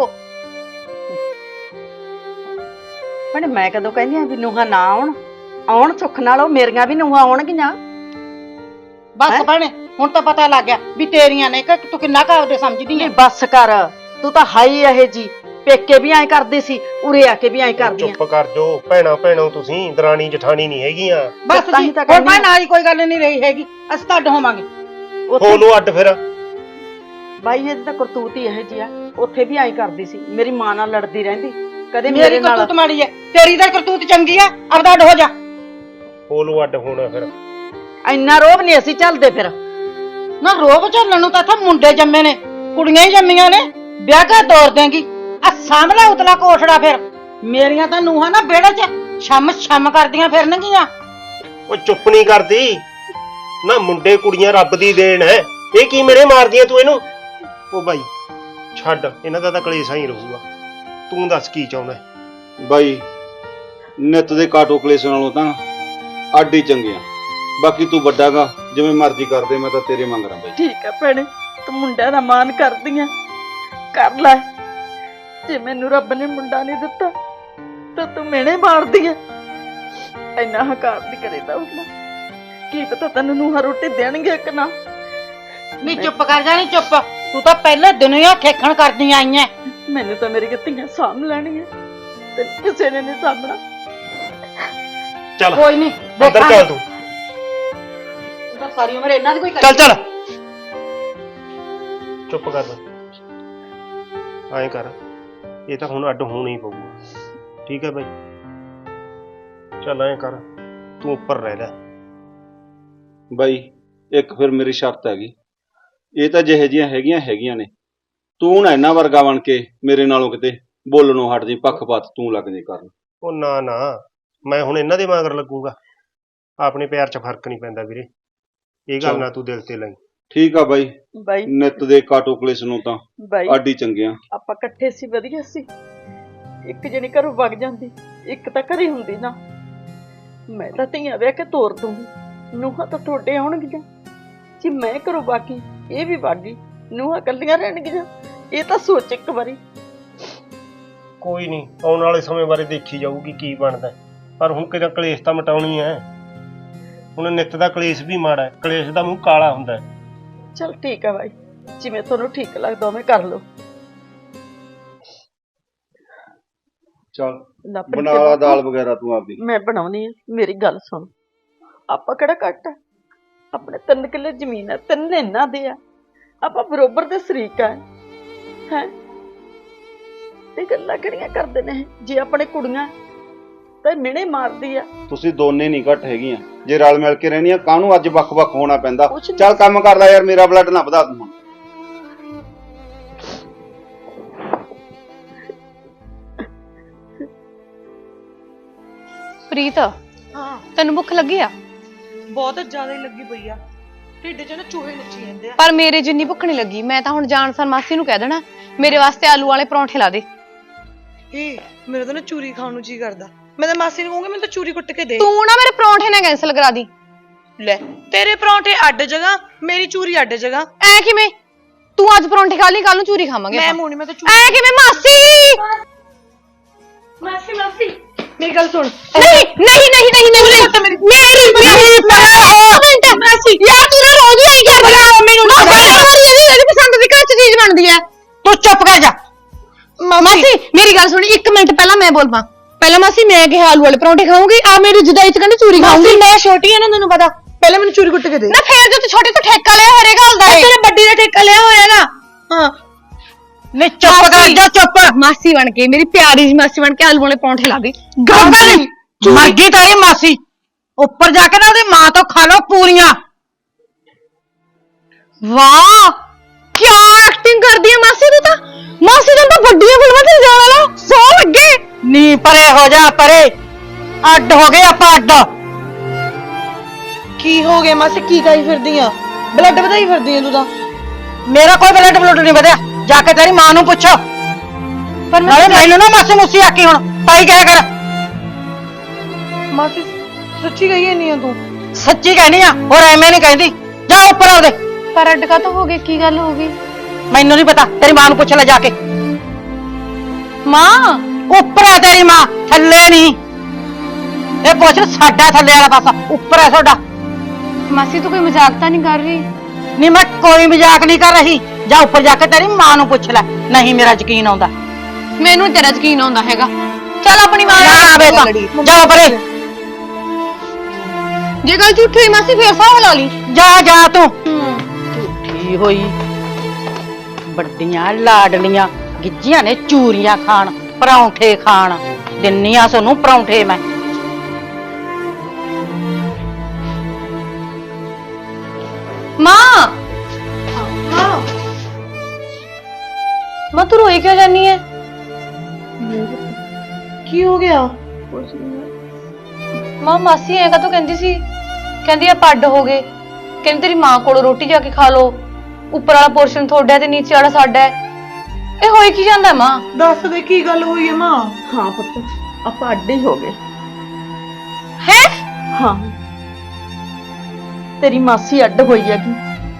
Speaker 2: ਭੈਣੇ ਮੈਂ ਕਦੋਂ ਕਹਿੰਦੀ ਆ ਵੀ ਨੂੰਹਾਂ ਨਾ ਆਉਣ? ਆਉਣ ਸੁੱਖ ਨਾਲ, ਉਹ ਮੇਰੀਆਂ ਵੀ ਨੂੰਹਾਂ ਆਉਣਗੀਆਂ।
Speaker 1: ਬਸ ਭੈਣੇ, ਹੁਣ ਤਾਂ ਪਤਾ ਲੱਗ ਗਿਆ ਵੀ ਤੇਰੀਆਂ ਨੇ, ਕਿ ਤੂੰ ਕਿੰਨਾ ਕਾਬਦੇ ਸਮਝਦੀ ਐ।
Speaker 2: ਬਸ ਕਰ, ਤੂੰ ਤਾਂ ਹਾਈ ਇਹ ਜੀ, ਪੇਕੇ ਵੀ ਐਂ ਕਰਦੀ ਸੀ, ਉਰੇ ਆ ਕੇ ਵੀ ਐਂ ਕਰਦੀ ਆ।
Speaker 4: ਚੁੱਪ ਕਰ ਜੋ, ਭੈਣਾ ਭੈਣੋ ਤੁਸੀਂ, ਦਰਾਣੀ ਜਠਾਣੀ ਨਹੀਂ ਹੈਗੀਆਂ।
Speaker 1: ਬਸ
Speaker 2: ਤਾਂ
Speaker 1: ਜੀ,
Speaker 2: ਹੀ ਤਾਂ
Speaker 1: ਹੁਣ
Speaker 2: ਕਹਿੰਦੀ
Speaker 1: ਮੈਂ ਨਾਲ ਹੀ ਕੋਈ ਗੱਲ ਨਹੀਂ ਰਹੀ ਹੈਗੀ, ਅਸੀਂ ਤਾਂ ਅੱਡ ਹੋਵਾਂਗੇ।
Speaker 4: ਹੋਨੂੰ ਅੱਡ ਫਿਰ।
Speaker 2: ਬਾਈ ਇਹਦੀ ਤਾਂ ਕਰਤੂਤ ਹੀ ਇਹ ਜੀ ਆ, ਉੱਥੇ ਵੀ ਐਂ ਕਰਦੀ ਸੀ, ਮੇਰੀ ਮਾਂ ਨਾਲ ਲੜਦੀ ਰਹਿੰਦੀ, ਕਦੇ
Speaker 1: ਮੇਰੀ
Speaker 2: ਮੇਰੇ ਨਾਲ।
Speaker 1: ਕਰਤੂਤ ਮਾੜੀ ਐ, ਤੇਰੀ ਤਾਂ ਕਰਤੂਤ ਚੰਗੀ ਐ, ਆਪਦਾ ਅੱਡ ਹੋ ਜਾ।
Speaker 4: ਹੋਨੂੰ ਅੱਡ ਹੋਣਾ ਫਿਰ।
Speaker 2: ਇੰਨਾ ਰੋਬ ਨਹੀਂ ਅਸੀਂ ਚੱਲਦੇ ਫਿਰ।
Speaker 1: ਨਾ ਰੋਬ ਝੱਲਣ ਨੂੰ ਤਾਂ ਇੱਥੇ ਮੁੰਡੇ ਜੰਮੇ ਨੇ, ਕੁੜੀਆਂ ਹੀ ਜੰਮੀਆਂ ਨੇ, ਵਿਆਹ ਕੇ ਤੋਰ ਦੇਂਗੀ। ਆ ਸਾਹਮਣੇ ਉਤਲਾ ਕੋਠੜਾ, ਫਿਰ ਮੇਰੀਆਂ ਤਾਂ ਨੂੰਹਾਂ ਨਾ ਵਿਹੜੇ 'ਚ ਛਮ ਛਮ ਕਰਦੀਆਂ ਫਿਰਨਗੀਆਂ।
Speaker 4: ਉਹ ਚੁੱਪ ਨਹੀਂ ਕਰਦੀ ਨਾ, ਮੁੰਡੇ ਕੁੜੀਆਂ ਰੱਬ ਦੀ ਦੇਣ ਹੈ, ਇਹ ਕੀ ਮੇਰੇ ਮਾਰਦੀਆਂ ਤੂੰ ਇਹਨੂੰ? ਉਹ ਬਾਈ ਛੱਡ, ਇਹਨਾਂ ਦਾ ਤਾਂ ਕਲੇਸ਼ਾਂ ਹੀ ਰਹੂਗਾ। ਤੂੰ ਦੱਸ ਕੀ ਚਾਹੁੰਦਾ ਹੈ?
Speaker 3: ਬਾਈ ਨਿੱਤ ਦੇ ਕਾਟੋ ਕਲੇਸ਼ ਨਾਲੋਂ ਤਾਂ ਅੱਡ ਹੀ ਚੰਗੇ ਆ। ਬਾਕੀ ਤੂੰ ਵੱਡਾਗਾ, ਜਿਵੇਂ ਮਰਜ਼ੀ ਕਰਦੇ, ਮੈਂ ਤਾਂ ਤੇਰੇ ਮੰਗ ਰਾਂ ਬਾਈ।
Speaker 2: ਠੀਕ ਹੈ ਭੈਣੇ, ਤੂੰ ਮੁੰਡਿਆਂ ਦਾ ਮਾਣ ਕਰਦੀ ਆ, ਕਰ ਲੈ। ਜੇ ਮੈਨੂੰ ਰੱਬ ਨੇ ਮੁੰਡਾ ਨਹੀਂ ਦਿੱਤਾ ਤਾਂ ਤੂੰ ਮਿਹਣੇ ਮਾਰਦੀ ਆ। ਇੰਨਾ ਹਕਾਰ ਨਹੀਂ ਕਰੀਦਾ ਹੁੰਦਾ। ਕੀ ਪਤਾ ਤੈਨੂੰ ਨੂੰਹਾਂ ਰੋਟੀ ਦੇਣਗੇ ਕਿ ਨਾ।
Speaker 1: ਨਹੀਂ ਚੁੱਪ ਕਰ ਜਾ, ਨਹੀਂ ਚੁੱਪ। ਤੂੰ ਤਾਂ ਪਹਿਲੇ ਦਿਨੋਂ ਹੀ ਆ ਖੇਖਣ ਕਰਦੀ ਆਈ ਐ।
Speaker 2: ਮੈਨੂੰ ਤਾਂ ਮੇਰੀ ਧੀਆਂ ਸਾਂਭ ਲੈਣੀਆਂ ਤੇ ਕਿਸੇ ਨੇ ਨਹੀਂ ਸਾਂਭਣਾ।
Speaker 4: ਚੱਲ
Speaker 1: ਕੋਈ ਨਹੀਂ,
Speaker 4: ਅੰਦਰ ਚੱਲ ਤੂੰ।
Speaker 1: ਤਾਂ ਸਾਰੀ ਉਮਰ ਇਹਨਾਂ ਦੀ ਕੋਈ
Speaker 4: ਚੱਲ ਚੱਲ ਚੁੱਪ ਕਰ ਐਂ ਕਰ, ਇਹ ਤਾਂ ਹੁਣ ਅੱਡ ਹੋਣਾ ਹੀ ਪਊਗਾ। ਠੀਕ ਹੈ ਬਾਈ, ਚੱਲ ਐਂ ਕਰ, ਤੂੰ ਉੱਪਰ ਰਹਿ ਲੈ।
Speaker 3: ਬਾਈ ਇੱਕ ਫਿਰ ਮੇਰੀ ਸ਼ਰਤ ਹੈਗੀ, ਇਹ ਤਾਂ ਜਿਹੇ ਜਿਹੀਆਂ ਹੈਗੀਆਂ ਹੈਗੀਆਂ ਨੇ, ਤੂੰ ਨਾ ਇਹਨਾਂ ਵਰਗਾ ਬਣ ਕੇ ਮੇਰੇ ਨਾਲੋਂ ਕਿਤੇ ਬੋਲਣੋਂ ਹਟ ਜੀ, ਪੱਖਪਾਤ ਤੂੰ ਲੱਗ ਜੇ ਕਰਨ।
Speaker 4: ਉਹ ਨਾ ਨਾ, ਮੈਂ ਹੁਣ ਇਹਨਾਂ ਦੇ ਮਗਰ ਲੱਗੂਗਾ? ਆਪਣੇ ਪਿਆਰ 'ਚ ਫਰਕ ਨਹੀਂ ਪੈਂਦਾ ਵੀਰੇ, ਇਹ ਗੱਲ ਨਾ ਤੂੰ ਦਿਲ ਤੇ ਲਈ।
Speaker 3: ਠੀਕ ਆ ਬਾਈ,
Speaker 2: ਬਾਈ
Speaker 3: ਨਿੱਤ ਦੇ ਕਾਟੋ ਕਲੇਸ਼ ਨੂੰ ਤਾਂ
Speaker 2: ਬਾਈ
Speaker 3: ਅੱਡ ਹੀ ਚੰਗੇ ਆ।
Speaker 2: ਆਪਾਂ ਇਕੱਠੇ ਸੀ, ਵਧੀਆ ਸੀ। ਇੱਕ ਜਣੀ ਘਰੋਂ ਵਗ ਜਾਂਦੀ, ਇੱਕ ਤਾਂ ਘਰੇ ਹੁੰਦੀ ਨਾ। ਮੈਂ ਤਾਂ ਧੀਆਂ ਵਿਆਹ ਕੇ ਤੋਰ ਦੂੰਗੀ, ਨੂੰਹਾਂ ਤਾਂ ਤੁਹਾਡੇ ਆਉਣਗੀਆਂ। ਜੇ ਮੈਂ ਘਰੋਂ ਬਾਗੀ, ਇਹ ਵੀ ਬਾਗੀ, ਨੂੰਹਾਂ ਇਕੱਲੀਆਂ ਰਹਿਣਗੀਆਂ। ਇਹ ਤਾਂ ਸੋਚ ਇੱਕ ਵਾਰੀ।
Speaker 4: ਕੋਈ ਨਹੀਂ, ਆਉਣ ਵਾਲੇ ਸਮੇਂ ਬਾਰੇ ਦੇਖੀ ਜਾਊਗੀ ਕੀ ਬਣਦਾ, ਪਰ ਹੁਣ ਕਿਹੜਾ ਕਲੇਸ਼ ਤਾਂ ਮਟਾਉਣੀ ਹੈ। ਹੁਣ ਨਿੱਤ ਦਾ ਕਲੇਸ਼ ਵੀ ਮਾੜਾ ਹੈ, ਕਲੇਸ਼ ਦਾ ਮੂੰਹ ਕਾਲਾ ਹੁੰਦਾ ਹੈ।
Speaker 2: ਚਲ ਠੀਕ ਆ ਬਾਈ, ਜਿਵੇਂ ਤੁਹਾਨੂੰ ਠੀਕ ਲੱਗਦਾ ਉਵੇਂ ਕਰ ਲਓ।
Speaker 3: ਚੱਲ
Speaker 2: ਲਾਪਰੀ
Speaker 3: ਬਣਾ
Speaker 2: ਤੇ
Speaker 3: ਲਾ
Speaker 2: ਬਾਪੂ,
Speaker 3: ਦਾਲ ਵਗੈਰਾ ਤੂੰ ਆਪਦੀ।
Speaker 2: ਮੈਂ ਬਣਾਉਣੀ ਆ। ਮੇਰੀ ਗੱਲ ਸੁਣ, ਆਪਾਂ ਕਿਹੜਾ ਘੱਟ ਆ? ਆਪਣੇ ਤਿੰਨ ਕਿੱਲੇ ਜ਼ਮੀਨ ਹੈ, ਤਿੰਨ ਇਹਨਾਂ ਦੇ ਆ। ਆਪਾਂ ਬਰੋਬਰ ਦੇ ਸ਼ਰੀਕ ਆ ਹੈ। ਤੇ ਗੱਲਾਂ ਕਿਹੜੀਆਂ ਕਰਦੇ ਨੇ? ਜੇ ਆਪਣੇ ਕੁੜੀਆਂ ਤਾਂ ਮਿਹਣੇ ਮਾਰਦੀ ਆ।
Speaker 3: ਤੁਸੀਂ ਦੋਨੇ ਨਹੀਂ ਘੱਟ ਹੈਗੀਆਂ, ਜੇ ਰਲ ਮਿਲ ਕੇ ਰਹਿਣੀਆਂ ਕਾਹਨੂੰ ਅੱਜ ਵੱਖ-ਵੱਖ ਹੋਣਾ ਪੈਂਦਾ।
Speaker 2: ਕੁਛ ਨੀ।
Speaker 3: ਚੱਲ ਕੰਮ ਕਰ ਲੈ ਯਾਰ, ਮੇਰਾ ਬਲੱਡ ਨਾ ਵਧਾ ਤੂੰ।
Speaker 5: ਪ੍ਰੀਤ,
Speaker 6: ਹਾਂ
Speaker 5: ਤੈਨੂੰ ਭੁੱਖ ਲੱਗੀ ਆ?
Speaker 6: ਬਹੁਤ ਜ਼ਿਆਦਾ ਹੀ ਲੱਗੀ ਪਈ ਆ। ਢਿੱਡ 'ਚ ਨਾ ਚੂਹੇ ਨੱਚੀ ਜਾਂਦੇ ਆ।
Speaker 5: ਪਰ ਮੇਰੇ ਜਿੰਨੀ ਭੁੱਖ ਨਹੀਂ ਲੱਗੀ। ਮੈਂ ਤਾਂ ਹੁਣ ਜਾਣ ਸਾਰ ਮਾਸੀ ਨੂੰ ਕਹਿ ਦੇਣਾ ਮੇਰੇ ਵਾਸਤੇ ਆਲੂ ਵਾਲੇ ਪਰੌਂਠੇ ਲਾ ਦੇ।
Speaker 6: ਏ ਮੇਰਾ ਤਾਂ ਨਾ ਚੂਰੀ ਖਾਣ ਨੂੰ ਜੀ ਕਰਦਾ। ਮੈਂ ਤਾਂ ਮਾਸੀ ਨੂੰ ਕਹੂੰਗੀ ਮੈਨੂੰ ਤਾਂ ਚੂਰੀ ਕੁੱਟ ਕੇ ਦੇ।
Speaker 5: ਤੂੰ ਨਾ ਮੇਰੇ ਪਰੌਂਠੇ ਨਾ ਕੈਂਸਲ ਕਰਾ ਦੀ।
Speaker 6: ਲੈ ਤੇਰੇ ਪਰੌਂਠੇ ਅੱਡ ਜਗ੍ਹਾ, ਮੇਰੀ ਚੂਰੀ ਅੱਡ ਜਗ੍ਹਾ।
Speaker 5: ਐ ਕਿਵੇਂ? ਤੂੰ ਅੱਜ ਪਰੌਂਠੇ ਖਾ ਲਈ, ਕੱਲ ਨੂੰ ਚੂਰੀ ਖਾਵਾਂਗੇ
Speaker 6: ਮੈਂ
Speaker 5: ਆਪਾਂ।
Speaker 6: ਮੂੰਹ ਨੀ, ਮੈਂ ਤਾਂ ਚੂਰੀ।
Speaker 5: ਐ ਕਿਵੇਂ ਮਾਸੀ?
Speaker 6: ਮਾਸੀ ਮਾਸੀ ਮੇਰੀ ਗੱਲ ਸੁਣ।
Speaker 5: ਨਹੀਂ ਨਹੀਂ ਨਹੀਂ ਨਹੀਂ ਨਹੀਂ ਮੇਰੀ ਮੇਰੀ ਮਾਸੀ ਯਾਰ ਤੂੰ ਨਾ ਰੋਜ਼ ਹੀ ਆਈ ਕਰਦਾ ਮੈਨੂੰ ਨਾ ਇਹਦੀ ਪਸੰਦ ਦੀ ਘਰ ਚ ਚੀਜ਼ ਬਣਦੀ ਐ।
Speaker 1: ਤੂੰ ਚੁੱਪ ਕਰ ਜਾ।
Speaker 5: ਮਾਸੀ ਮੇਰੀ ਗੱਲ ਸੁਣੀ, ਇੱਕ ਮਿੰਟ ਪਹਿਲਾਂ ਮੈਂ ਬੋਲ ਪਾ। ਪਹਿਲਾਂ ਮਾਸੀ ਮੈਂ ਕਿਹਾ ਆਲੂ ਵਾਲੇ ਪਰੌਂਠੇ ਖਾਊਂਗੀ, ਆ ਮੇਰੀ ਜੁਦਾਈ ਚ ਕਹਿੰਦੀ ਚੂਰੀ ਖਾਊਂਗੀ।
Speaker 6: ਮੈਂ ਛੋਟੀ ਆ ਨਾ, ਤੈਨੂੰ ਪਤਾ। ਪਹਿਲਾਂ ਮੈਨੂੰ ਚੂਰੀ ਕੁੱਟ ਕੇ ਦੇ।
Speaker 5: ਨਾ ਫੇਰ ਜੇ ਤੂੰ ਛੋਟੀ ਤੋਂ ਠੇਕਾ ਲਿਆ ਹਰੇ ਗੱਲ ਦਾ
Speaker 6: ਤੇਰੇ ਵੱਡੀ ਦਾ ਠੇਕਾ ਲਿਆ ਹੋਇਆ ਨਾ। ਹਾਂ
Speaker 1: ਨਹੀਂ ਚੁੱਪ ਕਰ ਜਾ, ਚੁੱਪ।
Speaker 5: ਮਾਸੀ ਬਣ ਕੇ, ਮੇਰੀ ਪਿਆਰੀ ਜੀ ਮਾਸੀ ਬਣ ਕੇ ਆਲੂ ਵਾਲੇ ਪਰੌਂਠੇ ਲਾ ਦੇ।
Speaker 1: ਗਾਂਧੀ ਮਰਗੀ ਤਾਰੀ ਮਾਸੀ, ਉੱਪਰ ਜਾ ਕੇ ਨਾ ਉਹਦੀ ਮਾਂ ਤੋਂ ਖਾ ਲਓ ਪੂਰੀਆਂ।
Speaker 5: ਵਾਹ ਕੀ ਐਕਟਿੰਗ ਕਰਦੀ ਹੈ ਮਾਸੀ ਤੂੰ ਤਾਂ। ਮਾਸੀ ਤਾਂ ਤਾਂ ਵੱਡੀਆਂ ਫਿਲਮਾਂ ਤੇ ਜਾਣ ਵਾਲਾ ਸੌ ਲੱਗੇ।
Speaker 1: ਨੀ ਪਰੇ ਹੋ ਜਾ, ਪਰੇ। ਅੱਡ ਹੋ ਗਏ ਆਪਾਂ, ਅੱਡ।
Speaker 6: ਕੀ ਹੋ ਗਿਆ ਮਾਸੀ? ਕੀ ਖਾਈ ਫਿਰਦੀ ਆ? ਬਲੱਡ ਵਧਾਈ ਫਿਰਦੀ ਆ ਤੂੰ ਤਾਂ।
Speaker 1: ਮੇਰਾ ਕੋਈ ਬਲੱਡ ਬਲੱਡ ਨਹੀਂ ਵਧਿਆ, ਜਾ ਕੇ ਤੇਰੀ ਮਾਂ ਨੂੰ ਪੁੱਛੋ।
Speaker 5: ਪਰ
Speaker 1: ਨਾਲੇ ਮੈਨੂੰ ਨਾ ਮਾਸੀ ਮੁੱਸੀ ਆਕੀ ਹੁਣ ਪਾਈ ਕਹਿ ਕਰ।
Speaker 6: ਮਾਸੀ ਸੱਚੀ ਕਹੀ ਨਹੀਂ ਆ ਤੂੰ?
Speaker 1: ਸੱਚੀ ਕਹਿਣੀ ਆ, ਹੋਰ ਐਵੇਂ ਨਹੀਂ ਕਹਿੰਦੀ। ਜਾ ਉੱਪਰ ਆਉਦੇ।
Speaker 5: ਪਰ ਅੱਡ ਕਾ ਤਾਂ ਹੋ ਗਏ, ਕੀ ਗੱਲ ਹੋ ਗਈ?
Speaker 1: ਮੈਨੂੰ ਨਹੀਂ ਪਤਾ, ਤੇਰੀ ਮਾਂ ਨੂੰ ਪੁੱਛ ਲੈ ਜਾ ਕੇ।
Speaker 5: ਮਾਂ
Speaker 1: ਉੱਪਰ ਆ ਤੇਰੀ ਮਾਂ, ਥੱਲੇ ਨਹੀਂ। ਇਹ ਪੁੱਛ ਸਾਡਾ ਥੱਲੇ ਵਾਲਾ ਪਾਸਾ, ਉੱਪਰ ਹੈ ਤੁਹਾਡਾ।
Speaker 5: ਮਾਸੀ ਤੂੰ ਕੋਈ ਮਜ਼ਾਕ ਤਾਂ ਨਹੀਂ ਕਰ ਰਹੀ?
Speaker 1: ਨਹੀਂ ਮੈਂ ਕੋਈ ਮਜ਼ਾਕ ਨਹੀਂ ਕਰ ਰਹੀ। ਜਾ ਉੱਪਰ ਜਾ ਕੇ ਤੇਰੀ ਮਾਂ ਨੂੰ ਪੁੱਛ ਲੈ, ਨਹੀਂ ਮੇਰਾ ਯਕੀਨ ਆਉਂਦਾ।
Speaker 5: ਮੈਨੂੰ ਤੇਰਾ ਯਕੀਨ ਆਉਂਦਾ ਹੈਗਾ। ਚੱਲ ਆਪਣੀ ਮਾਂ
Speaker 1: ਨਾ
Speaker 5: ਨਾਲ
Speaker 1: ਆਵੇ ਤਾਂ ਜਾ ਪਰੇ।
Speaker 5: ਜੇ ਗੱਲ ਝੂਠੀ ਹੋਈ ਮਾਸੀ ਫੇਰ ਸਾਹ ਲਾ ਲਈ।
Speaker 1: ਜਾ ਜਾ ਤੂੰ। ਝੂਠੀ ਹੋਈ, ਵੱਡੀਆਂ ਲਾਡਲੀਆਂ ਗਿੱਜੀਆਂ ਨੇ ਚੂਰੀਆਂ ਖਾਣ, ਪਰੌਂਠੇ ਖਾਣ। ਦਿੰਨੀਆਂ ਸੋਨੂੰ ਪਰੌਂਠੇ ਮੈਂ।
Speaker 5: ਮਾਂ ਮਾਂ ਤੂੰ ਰੋਈ ਕਿਉਂ ਜਾਨੀ ਹੈ?
Speaker 6: ਕੀ ਹੋ ਗਿਆ?
Speaker 5: ਮਾਂ ਮਾਸੀ ਐਂ ਕਾ ਤੂੰ ਕਹਿੰਦੀ ਸੀ, ਕਹਿੰਦੀ ਆ ਪੱਡ ਹੋ ਗਏ, ਕਹਿੰਦੀ ਤੇਰੀ ਮਾਂ ਕੋਲੋਂ ਰੋਟੀ ਜਾ ਕੇ ਖਾ ਲੋ। ਉੱਪਰ ਵਾਲਾ ਪੋਰਸ਼ਨ ਤੁਹਾਡਾ ਹੈ ਤੇ ਨੀਚੇ ਵਾਲਾ ਸਾਡਾ ਹੈ। ਇਹ ਹੋਈ ਕੀ ਜਾਂਦਾ ਮਾਂ?
Speaker 6: ਦੱਸ ਦੇ ਕੀ ਗੱਲ ਹੋਈ ਹੈ ਮਾਂ?
Speaker 2: ਹਾਂ ਪੁੱਤ, ਆਪਾਂ ਅੱਡ ਹੀ ਹੋ ਗਏ।
Speaker 5: ਹੈ
Speaker 2: ਹਾਂ, ਤੇਰੀ ਮਾਸੀ ਅੱਡ ਹੋਈ ਹੈਗੀ,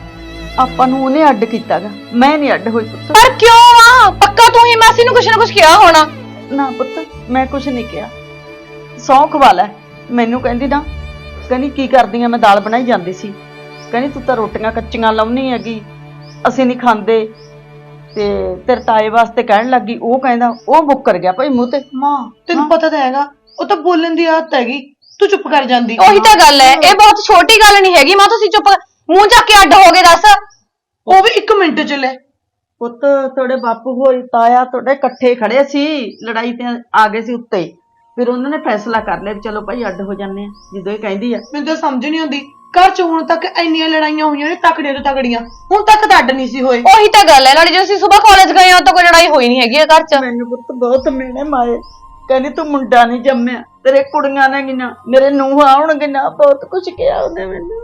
Speaker 2: ਆਪਾਂ ਨੂੰ ਉਹਨੇ ਅੱਡ ਕੀਤਾਗਾ, ਮੈਂ ਨਹੀਂ ਅੱਡ ਹੋਈ ਪੁੱਤ।
Speaker 5: ਪਰ ਕਿਉਂ ਮਾਂ? ਪੱਕਾ ਤੂੰ ਹੀ ਮਾਸੀ ਨੂੰ ਕੁਛ ਨਾ ਕੁਛ ਕਿਹਾ ਹੋਣਾ।
Speaker 2: ਨਾ ਪੁੱਤ, ਮੈਂ ਕੁਛ ਨਹੀਂ ਕਿਹਾ। ਸੌਂਖ ਵਾਲਾ ਮੈਨੂੰ ਕਹਿੰਦੀ ਨਾ, ਕਹਿੰਦੀ ਕੀ ਕਰਦੀ ਆ, ਮੈਂ ਦਾਲ ਬਣਾਈ ਜਾਂਦੀ ਸੀ, ਕਹਿੰਦੀ ਤੂੰ ਤਾਂ ਰੋਟੀਆਂ ਕੱਚੀਆਂ ਲਾਉਣੀ ਹੈਗੀ, ਅਸੀਂ ਨਹੀਂ ਖਾਂਦੇ, ਤੇ ਤੇਰੇ ਤਾਏ ਵਾਸਤੇ ਕਹਿਣ ਲੱਗੀ। ਉਹ ਕਹਿੰਦਾ, ਉਹ ਮੁੱਕਰ ਗਿਆ ਭਾਈ ਮੂੰਹ ਤੇ।
Speaker 6: ਮਾਂ ਤੈਨੂੰ ਪਤਾ ਤਾਂ ਹੈਗਾ ਉਹ ਤਾਂ ਬੋਲਣ ਦੀ ਆਦਤ ਹੈਗੀ, ਤੂੰ ਚੁੱਪ ਕਰ ਜਾਂਦੀ।
Speaker 5: ਉਹੀ ਤਾਂ ਗੱਲ ਹੈ, ਇਹ ਬਹੁਤ ਛੋਟੀ ਗੱਲ ਨਹੀਂ ਹੈਗੀ ਮਾਂ। ਤੁਸੀਂ ਚੁੱਪ ਮੂੰਹ ਚੱਕ ਕੇ ਅੱਡ ਹੋ ਗਏ ਦੱਸ।
Speaker 6: ਉਹ ਵੀ ਇੱਕ ਮਿੰਟ ਚ ਲੈ।
Speaker 2: ਪੁੱਤ ਤੁਹਾਡੇ ਬਾਪੂ ਹੋਈ ਤਾਇਆ ਤੁਹਾਡੇ ਇਕੱਠੇ ਖੜੇ ਸੀ, ਲੜਾਈ ਤੇ ਆ ਗਏ ਸੀ ਉੱਤੇ, ਫਿਰ ਉਹਨਾਂ ਨੇ ਫੈਸਲਾ ਕਰ ਲਿਆ ਵੀ ਚਲੋ ਭਾਈ ਅੱਡ ਹੋ ਜਾਂਦੇ ਆ, ਜਦੋਂ ਇਹ ਕਹਿੰਦੀ ਆ।
Speaker 6: ਮੈਨੂੰ ਤਾਂ ਸਮਝ ਨਹੀਂ ਆਉਂਦੀ, ਘਰ ਚ ਹੁਣ ਤੱਕ ਇੰਨੀਆਂ ਲੜਾਈਆਂ ਹੋਈਆਂ ਨੇ ਤਕੜੀਆਂ ਤੋਂ ਤਕੜੀਆਂ, ਹੁਣ ਤੱਕ ਤਾਂ ਅੱਡ ਨਹੀਂ ਸੀ ਹੋਏ।
Speaker 5: ਉਹੀ ਤਾਂ ਗੱਲ ਹੈ, ਨਾਲੇ ਜਦੋਂ ਅਸੀਂ ਸਵੇਰ ਕਾਲਜ ਗਏ ਹਾਂ ਤਾਂ ਕੋਈ ਲੜਾਈ ਹੋਈ ਨਹੀਂ ਹੈਗੀ ਘਰ 'ਚ।
Speaker 2: ਮੈਨੂੰ ਪੁੱਤ ਬਹੁਤ ਮਿਹਣੇ ਮਾਏ, ਕਹਿੰਦੀ ਤੂੰ ਮੁੰਡਾ ਨਹੀਂ ਜੰਮਿਆ, ਤੇਰੇ ਕੁੜੀਆਂ ਨੇ ਗਿਨਾ, ਮੇਰੇ ਨੂੰਹ ਆਉਣਗੇ ਨਾ, ਬਹੁਤ ਕੁਝ ਕਿਹਾ ਉਹਨੇ ਮੈਨੂੰ।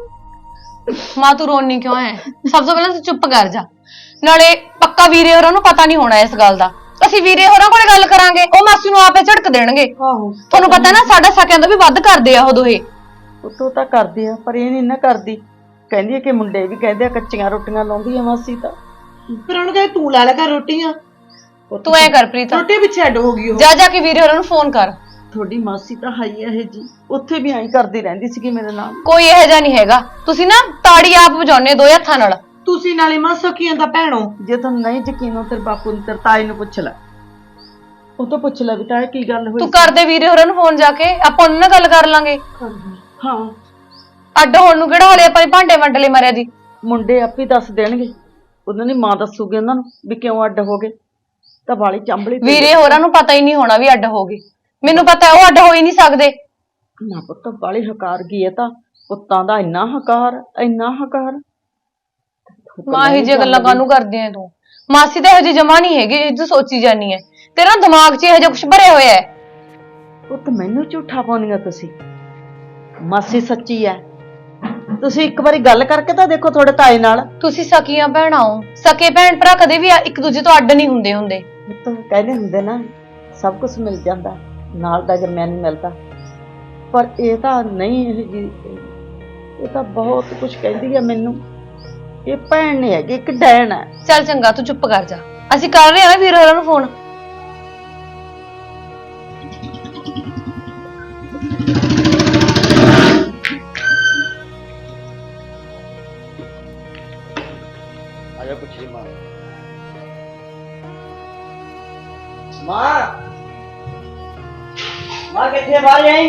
Speaker 5: ਮਾਂ ਤੂੰ ਰੋਣੀ ਕਿਉਂ ਹੈ? ਸਭ ਤੋਂ ਪਹਿਲਾਂ ਤੂੰ ਚੁੱਪ ਕਰ ਜਾ। ਨਾਲੇ ਪੱਕਾ ਵੀਰੇ ਹੋਰਾਂ ਨੂੰ ਪਤਾ ਨਹੀਂ ਹੋਣਾ ਇਸ ਗੱਲ ਦਾ। ਅਸੀਂ ਵੀਰੇ ਹੋਰਾਂ ਕੋਲੇ ਗੱਲ ਕਰਾਂਗੇ, ਉਹ ਮਾਸੀ ਨੂੰ ਆਪੇ ਝੜਕ ਦੇਣਗੇ।
Speaker 6: ਆਹੋ
Speaker 5: ਤੁਹਾਨੂੰ ਪਤਾ ਨਾ, ਸਾਡਾ ਸਕਿਆਂ ਤੋਂ ਵੀ ਵੱਧ ਕਰਦੇ ਆ ਉਹ ਦੋਹੇ।
Speaker 2: ਪੁੱਤੋਂ ਤਾਂ ਕਰਦੀ ਆ, ਪਰ ਇਹ ਨਹੀਂ ਨਾ ਕਰਦੀ। ਕਹਿੰਦੀ ਆ ਕਿ ਮੁੰਡੇ ਵੀ ਕਹਿੰਦੇ ਆ ਕੱਚੀਆਂ ਰੋਟੀਆਂ ਲਾਉਂਦੀ ਆ ਮਾਸੀ ਤਾਂ।
Speaker 6: ਫਿਰ ਉਹਨੂੰ ਕਹੇ ਤੂੰ ਲਾ ਲੈ ਕਰ ਰੋਟੀਆਂ,
Speaker 5: ਤੂੰ ਐ ਕਰ ਪ੍ਰੀਤ,
Speaker 6: ਰੋਟੀ ਪਿੱਛੇ ਅੱਡ ਹੋ ਗਈ ਉਹ।
Speaker 5: ਜਾ ਜਾ ਕੇ ਵੀਰੇ ਹੋਰਾਂ ਨੂੰ ਫੋਨ ਕਰ।
Speaker 2: ਤੁਹਾਡੀ ਮਾਸੀ ਤਾਂ ਹੈ ਹੀ ਇਹ ਜੀ, ਉੱਥੇ ਵੀ ਐਂ ਕਰਦੀ ਰਹਿੰਦੀ ਸੀਗੀ ਮੇਰੇ ਨਾਲ।
Speaker 5: ਕੋਈ ਇਹੋ ਜਿਹਾ ਨਹੀਂ ਹੈਗਾ, ਤੁਸੀਂ ਨਾ ਤਾੜੀ ਆਪ ਵਜਾਉਣੇ ਦੋ ਹੱਥਾਂ ਨਾਲ।
Speaker 6: ਤੁਸੀਂ ਨਾਲੇ ਮਾਂ ਸਕੀਆਂ ਦਾ ਭੈਣੋ।
Speaker 2: ਜੇ ਤੁਹਾਨੂੰ ਨਹੀਂ ਯਕੀਨ ਹੋ ਤੇਰੇ ਬਾਪੂ ਨੂੰ, ਤੇਰੇ ਤਾਏ ਨੂੰ ਪੁੱਛ ਲੈ, ਉਹ ਤੋਂ ਪੁੱਛ ਲੈ ਵੀ ਤਾਏ ਕੀ ਗੱਲ ਹੋਈ।
Speaker 5: ਤੂੰ ਕਰਦੇ ਵੀਰੇ ਹੋਰਾਂ ਨੂੰ ਫੋਨ ਜਾ ਕੇ, ਆਪਾਂ ਉਹਨਾਂ ਨਾਲ ਗੱਲ ਕਰ ਲਾਂਗੇ।
Speaker 2: ਹਾਂ,
Speaker 5: ਅੱਡ ਹੋਣ ਨੂੰ ਕਿਹੜਾ ਹਲੇ ਆਪਾਂ ਭਾਂਡੇ ਵੰਡਲੇ ਮਾਰਿਆ ਜੀ।
Speaker 2: ਮੁੰਡੇ ਆਪੇ ਦੱਸ ਦੇਣਗੇ, ਉਹਨਾਂ ਦੀ ਮਾਂ ਦੱਸੂਗੀ ਉਹਨਾਂ ਨੂੰ ਵੀ ਕਿਉਂ ਅੱਡ ਹੋ ਗਏ। ਤਾਂ ਵਾਲੀ ਚੰਬਲੀ ਪਈ।
Speaker 5: ਵੀਰੇ ਹੋਰਾਂ ਨੂੰ ਪਤਾ ਹੀ ਨਹੀਂ ਹੋਣਾ ਵੀ ਅੱਡ ਹੋ ਗਏ। ਮੈਨੂੰ ਪਤਾ ਉਹ ਅੱਡ ਹੋ ਹੀ ਨਹੀਂ ਸਕਦੇ।
Speaker 2: ਨਾ ਪੁੱਤ ਵਾਲੀ ਹਕਾਰ ਗਈ ਹੈ, ਤਾਂ ਪੁੱਤਾਂ ਦਾ ਇੰਨਾ ਹਕਾਰ, ਇੰਨਾ ਹਕਾਰ।
Speaker 5: ਮਾਂ ਇਹ ਜੇ ਗੱਲਾਂ ਕਾਹਨੂੰ ਕਰਦੀ ਐ ਤੂੰ? ਮਾਸੀ ਤਾਂ ਇਹੋ ਜਿਹੀ ਜਮਾ ਨਹੀਂ ਹੈਗੀ ਜਿਹ ਤੂੰ ਸੋਚੀ ਜਾਨੀ ਐ। ਤੇਰਾ ਦਿਮਾਗ 'ਚ ਇਹੋ ਜਿਹਾ ਕੁਛ ਭਰਿਆ ਹੋਇਆ ਹੈ।
Speaker 2: ਪੁੱਤ ਮੈਨੂੰ ਝੂਠਾ ਪਾਉਣੀਆਂ ਤੁਸੀਂ। ਮਾਸੀ ਸੱਚੀ ਐ, ਤੁਸੀਂ ਇੱਕ ਵਾਰੀ ਗੱਲ ਕਰਕੇ ਤਾਂ ਦੇਖੋ ਤੁਹਾਡੇ ਤਾਏ ਨਾਲ।
Speaker 5: ਤੁਸੀਂ ਸਕੀਆਂ ਭੈਣਾਂ ਹੋ, ਸਕੇ ਭੈਣ ਭਰਾ ਕਦੇ ਵੀ ਇੱਕ ਦੂਜੇ ਤੋਂ ਅੱਡ ਨਹੀਂ ਹੁੰਦੇ ਹੁੰਦੇ।
Speaker 2: ਪੁੱਤ ਕਹਿੰਦੇ ਹੁੰਦੇ ਨਾ, ਸਭ ਕੁਝ ਮਿਲ ਜਾਂਦਾ, ਨਾਲ ਦਾ ਜੰਮਿਆ ਨਹੀਂ ਮਿਲਦਾ। ਪਰ ਇਹ ਤਾਂ ਨਹੀਂ, ਇਹ ਜੀ ਇਹ ਤਾਂ ਬਹੁਤ ਕੁਝ ਕਹਿੰਦੀ ਆ ਮੈਨੂੰ। ਇਹ ਭੈਣ ਨਹੀਂ ਹੈਗੀ, ਇੱਕ ਡੈਣ ਹੈ।
Speaker 5: ਚੱਲ ਚੰਗਾ, ਤੂੰ ਚੁੱਪ ਕਰ ਜਾ। ਅਸੀਂ ਕਰ ਰਹੇ ਹਾਂ ਵੀਰੇ ਹੋਰਾਂ ਨੂੰ ਫੋਨ।
Speaker 7: आजा पूछिए माँ। माँ माँ कितने बार आई?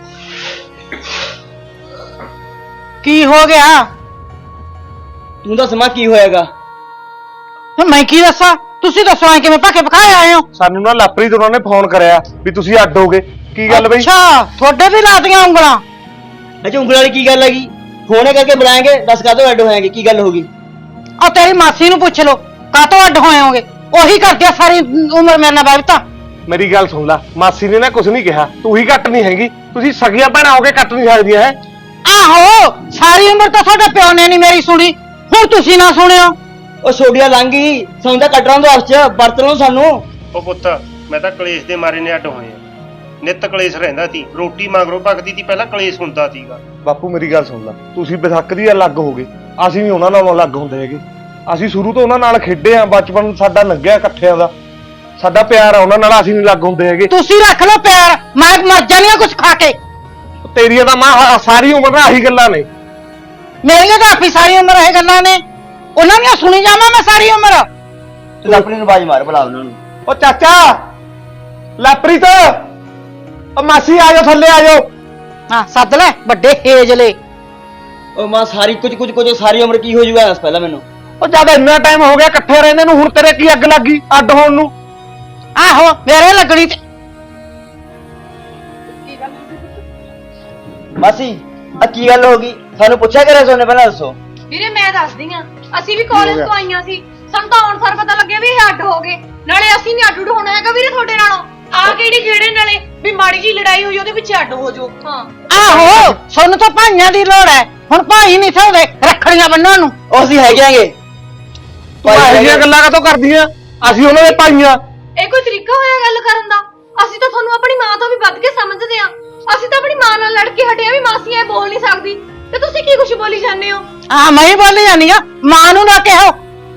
Speaker 1: ਕੀ ਹੋ ਗਿਆ?
Speaker 7: तू दस माँ की होएगा?
Speaker 1: ਮੈਂ ਕੀ ਦੱਸਾਂ? ਤੁਸੀਂ ਦੱਸੋ ਐ ਕਿਵੇਂ ਭੱਕੇ ਪਕਾਏ ਆਏ ਹੋ?
Speaker 4: ਸਾਨੂੰ ਨਾ ਲਾਪਰੀ ਤੋਂ ਉਹਨਾਂ ਨੇ ਫੋਨ ਕਰਿਆ ਵੀ ਤੁਸੀਂ ਅੱਡ ਹੋ ਗਏ। ਕੀ ਗੱਲ ਬਈ?
Speaker 1: ਅੱਛਾ, ਤੁਹਾਡੇ ਵੀ ਲਾਤੀਆਂ ਉਂਗਲਾਂ।
Speaker 7: अच्छा उंगल वाली की गल लगी? फोन करके बुलाएंगे, दस का तो ऐड होएंगे, की गल होगी?
Speaker 1: ਆ ਤੇਰੀ ਮਾਸੀ ਨੂੰ ਪੁੱਛ ਲਓ, ਕਾਹਤੋਂ ਅੱਡ ਹੋਏ ਹੋਗੇ? ਉਹੀ ਕਰਦੇ ਆ ਸਾਰੀ ਉਮਰ ਮੇਰੇ ਨਾਲ ਬੈਠਾ।
Speaker 4: ਮੇਰੀ ਗੱਲ ਸੁਣ ਲੈ, ਮਾਸੀ ਨੇ ਨਾ ਕੁਝ ਨਹੀਂ ਕਿਹਾ, ਤੂੰ ਹੀ ਕੱਟ ਨਹੀਂ ਹੈਗੀ। ਤੁਸੀਂ ਸਗੀਆਂ ਭੈਣਾਂ ਹੋ ਕੇ ਕੱਟ ਨਹੀਂ ਸਕਦੀਆਂ ਹੈ।
Speaker 1: ਆਹੋ, ਸਾਰੀ ਉਮਰ ਤਾਂ ਤੁਹਾਡੇ ਪਿਓ ਨੇ ਨਹੀਂ ਮੇਰੀ ਸੁਣੀ, ਹੁਣ ਤੁਸੀਂ ਨਾ ਸੁਣਿਓ।
Speaker 7: ਉਹ ਛੋਡੀਆਂ ਲੰਘ ਗਈ, ਸਾਨੂੰ ਤਾਂ ਕੱਟਣਾ ਤੋਂ ਹੱਥ ਚ ਵਰਤ ਲਓ ਸਾਨੂੰ।
Speaker 4: ਉਹ ਪੁੱਤ, ਮੈਂ ਤਾਂ ਕਲੇਸ਼ ਦੇ ਮਾਰੇ ਨੇ ਅੱਡ ਹੋਏ ਆ। ਨਿੱਤ ਕਲੇਸ਼ ਰਹਿੰਦਾ ਸੀ, ਰੋਟੀ ਮਗਰੋਂ ਪੱਕਦੀ ਸੀ, ਪਹਿਲਾਂ ਕਲੇਸ਼ ਹੁੰਦਾ ਸੀਗਾ। ਬਾਪੂ ਮੇਰੀ ਗੱਲ ਸੁਣ ਲੈ, ਤੁਸੀਂ ਵਿਸਾਖ ਦੀ ਅਲੱਗ ਹੋ ਗਏ, ਅਸੀਂ ਵੀ ਉਹਨਾਂ ਨਾਲੋਂ ਅਲੱਗ ਹੁੰਦੇ ਹੈਗੇ। ਅਸੀਂ ਸ਼ੁਰੂ ਤੋਂ ਉਹਨਾਂ ਨਾਲ ਖੇਡੇ ਆ, ਬਚਪਨ ਸਾਡਾ ਲੰਘਿਆ ਇਕੱਠਿਆਂ ਦਾ, ਸਾਡਾ ਪਿਆਰ ਆ ਉਹਨਾਂ ਨਾਲ, ਅਸੀਂ ਨਹੀਂ ਅਲੱਗ ਹੁੰਦੇ ਹੈਗੇ।
Speaker 1: ਤੁਸੀਂ ਰੱਖ ਲਓ ਪਿਆਰ, ਮੈਂ ਮਰ ਜਾਣੀ ਆ ਕੁਝ ਖਾ ਕੇ।
Speaker 4: ਤੇਰੀਆਂ ਤਾਂ ਮਾਂ ਸਾਰੀ ਉਮਰ ਨਾਲ ਆਹੀ ਗੱਲਾਂ ਨੇ।
Speaker 1: ਮੇਰੀਆਂ ਤਾਂ ਆਪੀ ਸਾਰੀ ਉਮਰ ਇਹ ਗੱਲਾਂ ਨੇ, ਉਹਨਾਂ ਦੀਆਂ ਸੁਣੀ ਜਾਵਾਂ ਮੈਂ ਸਾਰੀ ਉਮਰ।
Speaker 7: ਤੂੰ ਆਪਣੀ ਨੂੰ ਬਾਜ ਮਾਰ, ਬੁਲਾ ਉਹਨਾਂ ਨੂੰ।
Speaker 4: ਉਹ ਚਾਚਾ, ਲਾਪਰੀ ਤੋਂ ਉਹ ਮਾਸੀ ਆ ਜਾਓ, ਥੱਲੇ ਆ ਜਾਓ।
Speaker 1: ਹਾਂ ਸੱਦ ਲੈ ਵੱਡੇ ਹੇਜਲੇ।
Speaker 7: ਉਹ ਮਾਂ ਸਾਰੀ ਕੁਝ ਕੁਝ ਕੁਝ ਸਾਰੀ ਉਮਰ ਕੀ ਹੋ ਜੂਗਾ ਦੱਸ ਪਹਿਲਾਂ ਮੈਨੂੰ।
Speaker 4: ਉਹ ਜਦ ਇੰਨਾ ਟਾਈਮ ਹੋ ਗਿਆ ਇਕੱਠੇ ਰਹਿੰਦੇ ਨੂੰ, ਹੁਣ ਤੇਰੇ ਕੀ ਅੱਗ ਲੱਗੀ ਅੱਡ ਹੋਣ ਨੂੰ?
Speaker 1: ਆਹੋ ਮੇਰੇ ਲੱਗਣੀ ਤੇ
Speaker 7: ਮਾਸੀ ਆ ਕੀ ਗੱਲ ਹੋ ਗਈ? ਸਾਨੂੰ ਪੁੱਛਿਆ ਕਰਿਆ ਸੋਨੇ, ਪਹਿਲਾਂ ਦੱਸੋ।
Speaker 5: ਵੀਰੇ ਮੈਂ ਦੱਸਦੀ ਆ, ਅਸੀਂ ਵੀ ਕਾਲਜ ਤੋਂ ਆਈਆਂ ਸੀ, ਸਾਨੂੰ ਤਾਂ ਹੁਣ ਸਾਰ ਪਤਾ ਲੱਗਿਆ ਵੀ ਇਹ ਅੱਡ ਹੋ ਗਏ। ਨਾਲੇ ਅਸੀਂ ਨਹੀਂ ਅੱਡ ਉੱਡ ਹੋਣਾ ਹੈਗਾ ਵੀਰੇ ਤੁਹਾਡੇ ਨਾਲੋਂ।
Speaker 6: ਆ ਕਿਹੜੀ ਖੇੜੇ ਨਾਲੇ ਵੀ ਮਾੜੀ ਜੀ ਲੜਾਈ ਹੋਈ ਉਹਦੇ ਪਿੱਛੇ ਅੱਡ ਹੋ ਜਾਓ।
Speaker 5: ਹਾਂ
Speaker 1: ਆਹੋ, ਸਾਨੂੰ ਤਾਂ ਭਾਈਆਂ ਦੀ ਲੋੜ ਹੈ, ਹੁਣ ਭਾਈ ਨਹੀਂ ਸੌਦੇ ਰੱਖੜੀਆਂ ਬੰਨਣ ਨੂੰ।
Speaker 7: ਉਹ ਅਸੀਂ ਹੈਗੇ ਆਂਗੇ,
Speaker 8: ਤੂੰ ਇਹੋ ਜਿਹੀਆਂ ਗੱਲਾਂ ਕਾਹਤੋਂ ਕਰਦੀਆਂ? ਅਸੀਂ ਉਹਨਾਂ ਦੇ ਭਾਈਆਂ।
Speaker 5: ਇਹ ਕੋਈ ਤਰੀਕਾ ਹੋਇਆ ਗੱਲ ਕਰਨ ਦਾ? ਅਸੀਂ ਤਾਂ ਤੁਹਾਨੂੰ ਆਪਣੀ ਮਾਂ ਤੋਂ ਵੀ ਵੱਧ ਕੇ ਸਮਝਦੇ ਆ। ਅਸੀਂ ਤਾਂ ਆਪਣੀ ਮਾਂ ਨਾਲ ਲੜ ਕੇ ਹਟਿਆ ਵੀ ਮਾਸੀ ਐ ਬੋਲ ਨਹੀਂ ਸਕਦੀ, ਤੇ ਤੁਸੀਂ ਕੀ ਕੁਛ ਬੋਲੀ ਜਾਂਦੇ ਹੋ?
Speaker 1: ਹਾਂ ਮੈਂ ਹੀ ਬੋਲੀ ਜਾਂਦੀ ਆ, ਮਾਂ ਨੂੰ ਨਾ ਕਹੋ।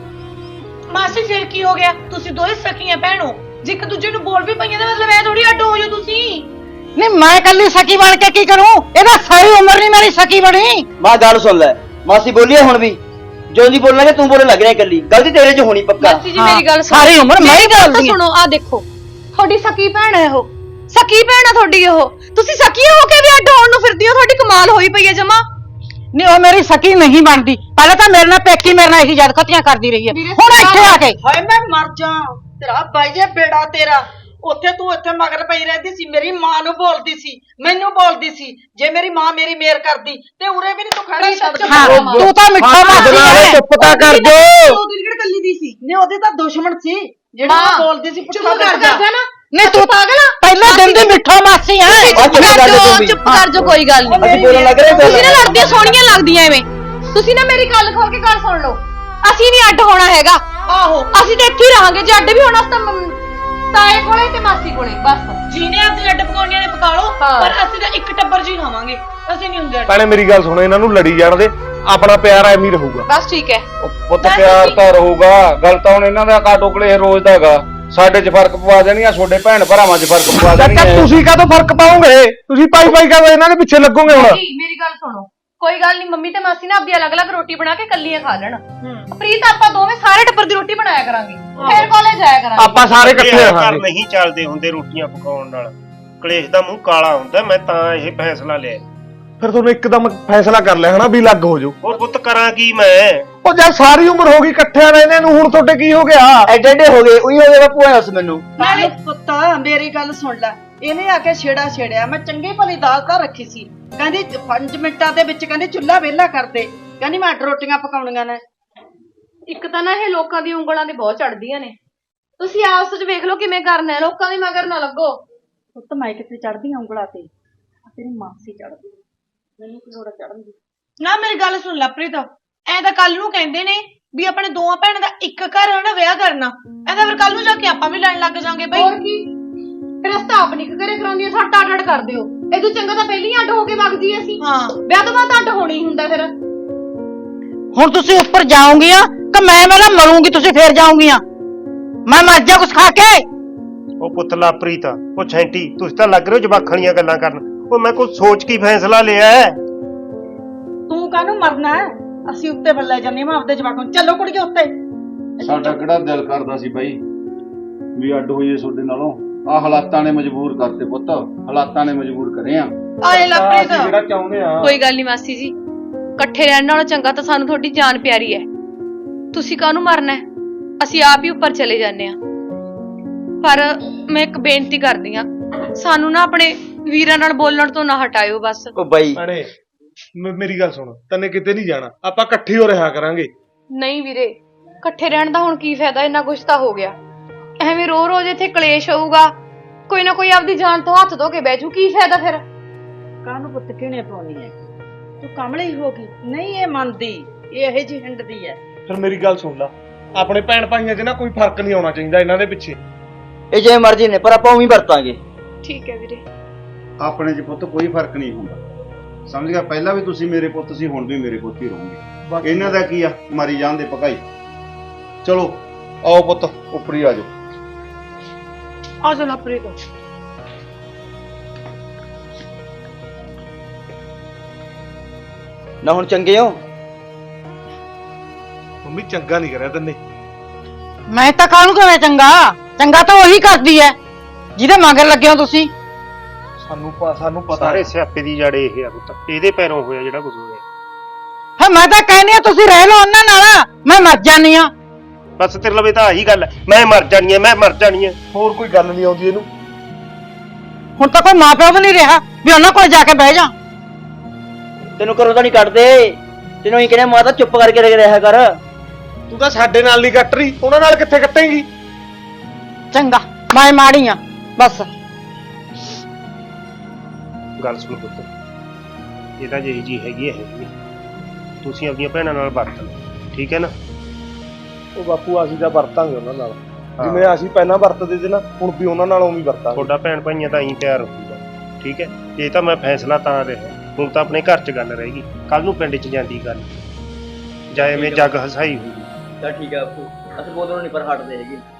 Speaker 6: ਮਾਸੀ ਫਿਰ ਕੀ ਹੋ ਗਿਆ? ਤੁਸੀਂ ਦੋਵੇਂ ਸਕੀਆਂ ਭੈਣੋ, ਜੇ ਇੱਕ ਦੂਜੇ ਨੂੰ ਬੋਲ ਵੀ ਪਈਆਂ ਦਾ ਮਤਲਬ ਐ ਥੋੜੀ ਅੱਡ ਹੋ ਜਾਓ ਤੁਸੀਂ।
Speaker 1: ਨਹੀਂ ਮੈਂ ਕੱਲੀ ਸਕੀ ਬਣ ਕੇ ਕੀ ਕਰੂੰ? ਇਹਦਾ ਸਾਰੀ ਉਮਰ ਨਹੀਂ ਮੇਰੀ ਸਕੀ ਬਣੀ।
Speaker 7: ਮਾਂ ਗੱਲ ਸੁਣ ਲੈ, ਮਾਸੀ ਬੋਲੀ ਆ ਹੁਣ ਵੀ, ਜੋ ਜੀ ਬੋਲਾਂਗੇ ਤੂੰ ਬੋਲਣ ਲੱਗ ਰਿਹਾ ਇਕੱਲੀ, ਗਲਤੀ ਤੇਰੇ 'ਚ ਹੋਣੀ ਪੱਕਾ।
Speaker 5: ਮਾਸੀ ਜੀ ਮੇਰੀ ਗੱਲ ਸੁਣੋ,
Speaker 1: ਸਾਰੀ ਉਮਰ ਮੈਂ ਹੀ
Speaker 5: ਮੇਰੀ ਗੱਲ ਤਾਂ
Speaker 1: ਬੋਲਦੀ ਆ।
Speaker 5: ਸੁਣੋ, ਆ ਦੇਖੋ ਤੁਹਾਡੀ ਸਕੀ ਭੈਣ ਹੈ ਉਹ, ਸਕੀ ਭੈਣ ਆ ਤੁਹਾਡੀ ਉਹ। ਤੁਸੀਂ ਸਕੀ ਹੋ ਕੇ ਵੀ ਅੱਡ ਹੋਣ ਨੂੰ ਫਿਰਦੀ ਹੋ, ਤੁਹਾਡੀ ਕਮਾਲ ਹੋਈ ਪਈ ਹੈ ਜਮਾ।
Speaker 1: ਨਹੀਂ ਉਹ ਮੇਰੀ ਸਕੀ ਨਹੀਂ ਬਣਦੀ। ਪਹਿਲਾਂ ਤਾਂ ਮੇਰੇ ਨਾਲ ਪੇਕੀ ਮੇਰੇ ਨਾਲ ਇਹੀ ਜਦ ਖਤੀਆਂ ਕਰਦੀ ਰਹੀ ਹੈ, ਹੁਣ ਇੱਥੇ ਆ ਕੇ
Speaker 2: ਹਾਏ ਮੈਂ ਮਰ ਜਾ, ਤੇਰਾ ਬਾਈ ਜੇ ਬੇੜਾ ਤੇਰਾ। ਉੱਥੇ ਤੂੰ ਇੱਥੇ ਮਗਰ ਪਈ ਰਹਿੰਦੀ ਸੀ, ਮੇਰੀ ਮਾਂ ਨੂੰ ਬੋਲਦੀ ਸੀ, ਮੈਨੂੰ ਬੋਲਦੀ ਸੀ। ਜੇ ਮੇਰੀ ਮਾਂ ਮੇਰੀ ਮੇਰ ਕਰਦੀ ਤੇ ਉਰੇ ਵੀ ਨਹੀਂ ਤੂੰ ਖੜਾ ਛੱਡ।
Speaker 1: ਹਾਂ ਤੂੰ ਤਾਂ ਮਿੱਠਾ ਮਾਸੀ ਹੈ।
Speaker 8: ਚੁੱਪ ਤਾਂ ਕਰ ਜੋ।
Speaker 2: ਉਹ ਦਿਲਗੜ ਕੱਲੀ ਦੀ ਸੀ ਨੇ, ਉਹਦੇ ਤਾਂ ਦੁਸ਼ਮਣ ਸੀ ਜਿਹੜਾ
Speaker 5: ਮਾਂ,
Speaker 2: ਬੋਲਦੀ ਸੀ।
Speaker 5: ਚੁੱਪ ਕਰ ਜਾ ਨਾ।
Speaker 1: ਨਹੀਂ ਤੂੰ
Speaker 5: ਪਾਗਲ ਆ?
Speaker 1: ਪਹਿਲੇ ਦਿਨ ਦੀ ਮਿੱਠਾ ਮਾਸੀ ਹੈ।
Speaker 5: ਚੁੱਪ ਕਰ ਜਾਓ, ਚੁੱਪ ਕਰ ਜਾਓ, ਕੋਈ ਗੱਲ ਨਹੀਂ।
Speaker 7: ਅਸੀਂ ਬੋਲਣ ਲੱਗ ਰਹੇ
Speaker 5: ਤੁਸੀਂ ਨਾ ਲੜਦੀਆਂ ਸੋਹਣੀਆਂ ਲੱਗਦੀਆਂ ਐਵੇਂ। ਤੁਸੀਂ ਨਾ ਮੇਰੀ ਗੱਲ ਖੋਲ ਕੇ ਗੱਲ ਸੁਣ ਲਓ। ਅਸੀਂ ਨਹੀਂ ਅੱਡ ਹੋਣਾ ਹੈਗਾ।
Speaker 6: ਆਹੋ
Speaker 5: ਅਸੀਂ ਤਾਂ ਇੱਥੇ ਹੀ ਰਹਾਂਗੇ। ਜੇ ਅੱਡ ਵੀ ਹੋਣਾ ਤਾਂ ਮੰਮ- ਤਾਏ ਕੋਲੇ ਤੇ ਮਾਸੀ ਕੋਲੇ ਬਸ।
Speaker 6: ਜਿਹਨੇ ਆਪਣੀ ਅੱਡ ਪਕਾਉਣੀਆਂ ਨੇ ਪਕਾ ਲਓ, ਪਰ ਅਸੀਂ ਤਾਂ ਇੱਕ ਟੱਬਰ ਜੀ ਖਾਵਾਂਗੇ, ਅਸੀਂ ਨਹੀਂ ਹੁੰਦੇ ਅੱਡ।
Speaker 8: ਭੈਣੇ ਮੇਰੀ ਗੱਲ ਸੁਣੋ, ਇਹਨਾਂ ਨੂੰ ਲੜੀ ਜਾਣ ਦੇ, ਆਪਣਾ ਪਿਆਰ ਐਵੇਂ ਹੀ ਰਹੂਗਾ।
Speaker 5: ਬਸ ਠੀਕ ਹੈ।
Speaker 8: ਉਹ ਪੁੱਤ ਪਿਆਰ ਤਾਂ ਰਹੂਗਾ, ਗੱਲ ਤਾਂ ਹੁਣ ਇਹਨਾਂ ਦਾ ਕਾਟੋ ਕਲੇ ਰੋਜ਼ ਦਾ ਹੈਗਾ। ਸਾਡੇ 'ਚ ਫਰਕ ਪਵਾ ਦੇਣੀਆਂ, ਤੁਹਾਡੇ ਭੈਣ ਭਰਾਵਾਂ 'ਚ ਫਰਕ ਪਵਾ ਦੇਣੀਆਂ। ਤੁਸੀਂ ਕਾਹਤੋਂ ਫਰਕ ਪਾਓਗੇ? ਤੁਸੀਂ ਪਾਈ ਪਾਈ ਕਾਹਦੋਂ ਇਹਨਾਂ ਦੇ ਪਿੱਛੇ ਲੱਗੋਗੇ ਹੁਣ?
Speaker 5: ਜੀ ਮੇਰੀ ਗੱਲ ਸੁਣੋ, ਕੋਈ ਗੱਲ ਨਹੀਂ। ਮੰਮੀ ਤੇ ਮਾਸੀ ਨਾ ਆਪਦੀ ਅਲੱਗ-ਅਲੱਗ ਰੋਟੀ ਬਣਾ ਕੇ ਕੱਲੀਆਂ ਖਾ ਲੈਣ। ਪ੍ਰੀਤ ਆਪਾਂ ਦੋਵੇਂ ਸਾਰੇ ਟੱਬਰ ਦੀ ਰੋਟੀ ਬਣਾਇਆ ਕਰਾਂਗੇ, ਫੇਰ ਕਾਲਜ ਜਾਇਆ ਕਰਾਂਗੇ।
Speaker 8: ਆਪਾਂ ਸਾਰੇ ਇਕੱਠੇ
Speaker 4: ਘਰ
Speaker 8: ਰਹਾਂਗੇ।
Speaker 4: ਨਹੀਂ ਚੱਲਦੇ ਹੁੰਦੇ ਰੋਟੀਆਂ ਪਕਾਉਣ ਨਾਲ, ਕਲੇਸ਼ ਦਾ ਮੂੰਹ ਕਾਲਾ ਹੁੰਦਾ। ਮੈਂ ਤਾਂ ਇਹ ਫੈਸਲਾ ਲਿਆ।
Speaker 8: ਫਿਰ ਤੁਹਾਨੂੰ ਇੱਕਦਮ ਫੈਸਲਾ ਕਰ ਲਿਆ ਹਨਾ ਵੀ ਲੱਗ ਹੋ ਜਾਓ।
Speaker 4: ਹੋਰ ਪੁੱਤ ਕਰਾਂ ਕੀ ਮੈਂ?
Speaker 8: ਉਹ ਜਦ ਸਾਰੀ ਉਮਰ ਹੋ ਗਈ ਇਕੱਠਿਆਂ ਰਹਿੰਦੇ ਨੂੰ, ਹੁਣ ਤੁਹਾਡੇ ਕੀ ਹੋ ਗਿਆ?
Speaker 7: ਐਡੇ ਐਡੇ ਹੋ ਗਏ, ਉਹੀ ਹੋ ਗਿਆ ਬਾਪੂ। ਐ ਦੱਸ ਮੈਨੂੰ।
Speaker 2: ਨਾਲੇ ਪੁੱਤ ਮੇਰੀ ਗੱਲ ਸੁਣ ਲੈ, ਇਹਨੇ ਆ ਕੇ ਛੇੜਾ ਛੇੜਿਆ। ਮੈਂ ਚੰਗੀ ਭਲੀ ਦਾਲ ਤਾਂ ਰੱਖੀ ਸੀ, ਕਹਿੰਦੀ ਪੰਜ ਮਿੰਟਾਂ ਦੇ ਵਿੱਚ ਕਹਿੰਦੀ ਚੁੱਲ੍ਹਾ ਵਿਹਲਾ ਕਰ ਦੇ, ਕਹਿੰਦੀ ਮੈਂ ਅੱਡ ਰੋਟੀਆਂ ਪਕਾਉਣੀਆਂ ਨੇ।
Speaker 5: ਇੱਕ ਤਾਂ ਨਾ ਇਹ ਲੋਕਾਂ ਦੀ ਉਂਗਲਾਂ ਤੇ ਬਹੁਤ ਚੜਦੀਆਂ ਨੇ। ਤੁਸੀਂ ਆਪਸ ਵਿੱਚ ਵੇਖ ਲਓ ਕਿਵੇਂ ਕਰਨਾ ਹੈ, ਲੋਕਾਂ ਦੇ ਮਗਰ ਨਾ ਲੱਗੋ।
Speaker 2: ਪੁੱਤ ਮੈਂ ਕਿੱਥੇ ਚੜਦੀ ਆਂ ਉਂਗਲਾਂ ਤੇ, ਤੇਰੀ ਮਾਸੀ ਚੜਦੀ, ਮੈਨੂੰ ਕੀ ਲੋੜ ਚੜਨ ਦੀ।
Speaker 6: ਨਾ ਮੇਰੀ ਗੱਲ ਸੁਣ ਲੈ ਪ੍ਰੀਤ, ਐ ਤਾਂ ਕੱਲ ਨੂੰ ਕਹਿੰਦੇ ਨੇ ਵੀ ਆਪਣੇ ਦੋਵਾਂ ਭੈਣਾਂ ਦਾ ਇੱਕ ਘਰ ਹੈ ਨਾ ਵਿਆਹ ਕਰਨਾ। ਐ ਤਾਂ ਫਿਰ ਕੱਲ ਨੂੰ ਜਾ ਕੇ ਆਪਾਂ ਵੀ ਲੜਨ ਲੱਗ ਜਾਾਂਗੇ ਬਈ।
Speaker 5: ਹੋਰ ਕੀ, ਫਿਰ ਅਸੀਂ ਤਾਂ ਆਪ ਨਹੀਂ ਕਰੇ ਕਰਾਉਂਦੀ ਆ, ਸਾਡਾ ਅੱਡ ਅੱਡ ਕਰ ਦਿਓ। ਇਹ ਤੋਂ ਚੰਗਾ ਤਾਂ ਪਹਿਲਾਂ ਹੀ ਅੱਡ ਹੋ ਕੇ ਵਗ ਜੀ ਅਸੀਂ।
Speaker 6: ਹਾਂ
Speaker 5: ਵਿਆਹ ਤੋਂ ਬਾਅਦ ਅੱਡ ਹੋਣਾ ਹੀ ਹੁੰਦਾ ਫਿਰ।
Speaker 1: ਹੁਣ ਤੁਸੀਂ ਉੱਪਰ ਜਾਓਗੀਆਂ ਕਿ ਮੈਂ ਮੇਰਾ ਮਰੂੰਗੀ? ਤੁਸੀਂ ਫੇਰ ਜਾਓਗੀਆਂ? ਮੈਂ ਮਰ ਜਾ ਕੁਛ ਖਾ ਕੇ।
Speaker 4: ਉਹ ਪੁੱਤ ਲਾਪ੍ਰੀਤ, ਉਹ ਛੈਂਟੀ, ਤੁਸੀਂ ਤਾਂ ਲੱਗ ਰਹੇ ਹੋ ਜਵਾਖਣੀਆਂ ਗੱਲਾਂ ਕਰਨ। ਉਹ ਮੈਂ ਕੁਝ ਸੋਚ ਕੇ ਫੈਸਲਾ ਲਿਆ ਹੈ।
Speaker 2: ਤੂੰ ਕਾਹਨੂੰ ਮਰਨਾ ਹੈ? ਅਸੀਂ ਉੱਤੇ ਬੱਲੇ ਜਾਂਦੇ ਮੈਂ ਆਪਦੇ ਜਵਾਕਾਂ ਨੂੰ। ਚੱਲੋ ਕੁੜੀਏ ਉੱਤੇ।
Speaker 3: ਸਾਡਾ ਕਿਹੜਾ ਦਿਲ ਕਰਦਾ ਸੀ ਬਾਈ ਵੀ ਅੱਡ ਹੋਈਏ ਤੁਹਾਡੇ ਨਾਲੋਂ? ਆ ਹਾਲਾਤਾਂ ਨੇ ਮਜਬੂਰ ਕਰਤੇ ਪੁੱਤ, ਹਾਲਾਤਾਂ ਨੇ ਮਜਬੂਰ ਕਰੇ ਆ।
Speaker 6: ਆਏ ਲਵਪ੍ਰੀਤ,
Speaker 3: ਅਸੀਂ ਜਿਹੜਾ ਚਾਹੁੰਦੇ ਆ।
Speaker 5: ਕੋਈ ਗੱਲ ਨਹੀਂ ਮਾਸੀ ਜੀ, ਇਕੱਠੇ ਰਹਿਣ ਨਾਲੋਂ ਚੰਗਾ ਤਾਂ ਸਾਨੂੰ ਤੁਹਾਡੀ ਜਾਨ ਪਿਆਰੀ ਹੈ। ਤੁਸੀਂ ਕਾਹਨੂੰ ਮਰਨਾ ਹੈ? ਅਸੀਂ ਆਪ ਹੀ ਉੱਪਰ ਚਲੇ ਜਾਂਦੇ ਆ। ਪਰ ਮੈਂ ਇੱਕ ਬੇਨਤੀ ਕਰਦੀ ਆ, ਸਾਨੂੰ ਨਾ ਆਪਣੇ ਵੀਰਾਂ ਨਾਲ ਬੋਲਣ ਤੋਂ ਨਾ ਹਟਾਇਓ ਬਸ।
Speaker 7: ਉਹ ਬਾਈ
Speaker 8: ਭੈਣੇ ਮ- ਮੇਰੀ ਗੱਲ ਸੁਣ, ਤੈਨੇ ਕਿਤੇ ਨਹੀਂ ਜਾਣਾ, ਆਪਾਂ ਇਕੱਠੇ ਹੋ ਰਿਹਾ ਕਰਾਂਗੇ।
Speaker 5: ਨਹੀਂ ਵੀਰੇ, ਇਕੱਠੇ ਰਹਿਣ ਦਾ ਹੁਣ ਕੀ ਫਾਇਦਾ? ਇੰਨਾ ਕੁਛ ਤਾਂ ਹੋ ਗਿਆ। ਐਵੇਂ ਰੋ ਰੋਜ਼ ਇੱਥੇ ਕਲੇਸ਼ ਹੋਊਗਾ, ਕੋਈ ਨਾ ਕੋਈ ਆਪਦੀ ਜਾਨ ਤੋਂ ਹੱਥ ਧੋ ਕੇ ਬਹਿ ਜੂ, ਕੀ ਫਾਇਦਾ ਫਿਰ?
Speaker 2: ਕਾਹਨੂੰ ਪੁੱਤ ਕਿਹਨੇ ਪਾਉਣੀ ਹੈ? ਤੂੰ ਕਮਲੀ ਹੋ ਗਈ, ਨਹੀਂ ਇਹ ਮੰਨਦੀ, ਇਹ ਇਹੋ ਜਿਹੀ ਹਿੰਡਦੀ ਹੈ।
Speaker 8: ਫਿਰ ਮੇਰੀ ਗੱਲ ਸੁਣ ਲਾ, ਆਪਣੇ ਭੈਣ ਭਾਈਆਂ 'ਚ ਨਾ ਕੋਈ ਫਰਕ ਨਹੀਂ ਆਉਣਾ ਚਾਹੀਦਾ ਇਹਨਾਂ ਦੇ ਪਿੱਛੇ।
Speaker 7: ਇਹ ਜਿਵੇਂ ਮਰਜ਼ੀ ਨੇ, ਪਰ ਆਪਾਂ ਉਵੇਂ ਹੀ ਵਰਤਾਂਗੇ।
Speaker 5: ਠੀਕ ਹੈ ਵੀਰੇ।
Speaker 3: ਆਪਣੇ 'ਚ ਪੁੱਤ ਕੋਈ ਫਰਕ ਨਹੀਂ ਹੁੰਦਾ, ਸਮਝ ਗਿਆ? ਪਹਿਲਾਂ ਵੀ ਤੁਸੀਂ ਮੇਰੇ ਪੁੱਤ ਸੀ, ਹੁਣ ਵੀ ਮੇਰੇ ਪੁੱਤ ਹੀ ਰਹੋਗੇ। ਇਹਨਾਂ ਦਾ ਕੀ ਆ, ਮਰੀ ਜਾਣ ਦੇ ਭਕਾਈ। ਚਲੋ ਆਓ ਪੁੱਤ, ਉੱਪਰ ਹੀ ਆ ਜਾਓ।
Speaker 6: ਆ ਜਾ ਲਵਪ੍ਰੀਤ।
Speaker 7: ਨਾ ਹੁਣ ਚੰਗੇ ਹੋ?
Speaker 8: ਮੰਮੀ ਚੰਗਾ ਨਹੀਂ ਕਰਿਆ ਤੈਨੇ।
Speaker 1: ਮੈਂ ਤਾਂ ਕਾਹਨੂੰ ਕਰਾਂ ਚੰਗਾ? ਚੰਗਾ ਤਾਂ ਉਹੀ ਕਰਦੀ ਹੈ ਜਿਹਦੇ ਮਗਰ ਲੱਗੇ ਹੋ ਤੁਸੀਂ।
Speaker 8: ਸਾਨੂੰ ਪ- ਸਾਨੂੰ ਪਤਾ
Speaker 4: ਸਾਰੇ
Speaker 8: ਹੈ।
Speaker 4: ਸਿਆਪੇ ਦੀ ਜੜ ਇਹ ਆ ਪੁੱਤ, ਇਹਦੇ ਪੈਰੋਂ ਹੋਇਆ ਜਿਹੜਾ ਕੁਝ ਹੋਇਆ।
Speaker 1: ਹਾਂ ਮੈਂ ਤਾਂ ਕਹਿੰਦੀ ਆ ਤੁਸੀਂ ਰਹਿ ਲਓ ਉਹਨਾਂ ਨਾਲ, ਮੈਂ ਮਰ ਜਾਨੀ ਆ।
Speaker 4: ਬਸ ਤੇਰੇ ਲਵੇ ਤਾਂ ਆਹੀ ਗੱਲ ਹੈ, ਮੈਂ ਮਰ ਜਾਣੀ ਆ, ਮੈਂ ਮਰ ਜਾਣੀ ਆ।
Speaker 8: ਹੋਰ ਕੋਈ ਗੱਲ ਨਹੀਂ ਆਉਂਦੀ ਇਹਨੂੰ।
Speaker 1: ਹੁਣ ਤਾਂ ਕੋਈ ਮਾਂ ਪਿਓ ਵੀ ਨਹੀਂ ਰਿਹਾ ਵੀ ਉਹਨਾਂ ਕੋਲ ਜਾ ਕੇ ਬਹਿ ਜਾ।
Speaker 7: ਤੈਨੂੰ ਘਰੋਂ ਤਾਂ ਨਹੀਂ ਕੱਢਦੇ, ਤੈਨੂੰ ਹੀ ਕਹਿੰਦੇ ਮਾਤਾ ਚੁੱਪ ਕਰਕੇ ਰਹਿ ਰਿਹਾ ਕਰ।
Speaker 8: ਤੂੰ ਤਾਂ ਸਾਡੇ ਨਾਲ ਨਹੀਂ ਕੱਟ ਰਹੀ, ਉਹਨਾਂ ਨਾਲ ਕਿੱਥੇ ਕੱਟੇਂਗੀ?
Speaker 1: ਚੰਗਾ ਮੈਂ ਮਾੜੀ ਆ ਬਸ।
Speaker 4: ਗੱਲ ਸੁਣ ਪੁੱਤ, ਇਹ ਤਾਂ ਜਿਹੀ ਜੀ ਹੈਗੀ ਹੈ ਹੈਗੀ ਹੈ। ਤੁਸੀਂ ਆਪਣੀਆਂ ਭੈਣਾਂ ਨਾਲ ਵਰਤ ਲਓ, ਠੀਕ ਹੈ ਨਾ?
Speaker 9: ਉਹ ਬਾਪੂ ਅਸੀਂ ਤਾਂ ਵਰਤਾਂਗੇ ਉਹਨਾਂ ਨਾਲ
Speaker 4: ਹਾਂ।
Speaker 9: ਜਿਵੇਂ ਅਸੀਂ ਪਹਿਲਾਂ ਵਰਤਦੇ ਸੀ ਨਾ ਹੁਣ ਵੀ ਉਹਨਾਂ ਨਾਲ ਉਵੇਂ ਹੀ ਵਰਤਾਂਗੇ।
Speaker 4: ਤੁਹਾਡਾ ਭੈਣ ਭਾਈਆਂ ਤਾਂ ਐਂ ਤਿਆਰ ਹੋਊਗਾ, ਠੀਕ ਹੈ। ਇਹ ਤਾਂ ਮੈਂ ਫੈਸਲਾ ਤਾਂ ਰਿਹਾ, ਹੁਣ ਤਾਂ ਆਪਣੇ ਘਰ 'ਚ ਗੱਲ ਰਹਿ ਗਈ, ਕੱਲ ਨੂੰ ਪਿੰਡ 'ਚ ਜਾਂਦੀ ਗੱਲ, ਜਾਂ ਐਵੇਂ ਜੱਗ ਹਸਾਈ ਹੋਊਗੀ।
Speaker 7: ਚੱਲ ਠੀਕ ਆ ਬਾਪੂ, ਅਸੀਂ ਬੋਲਣੋਂ ਨਹੀਂ ਪਰ ਹਟਦੇ ਹੈਗੇ।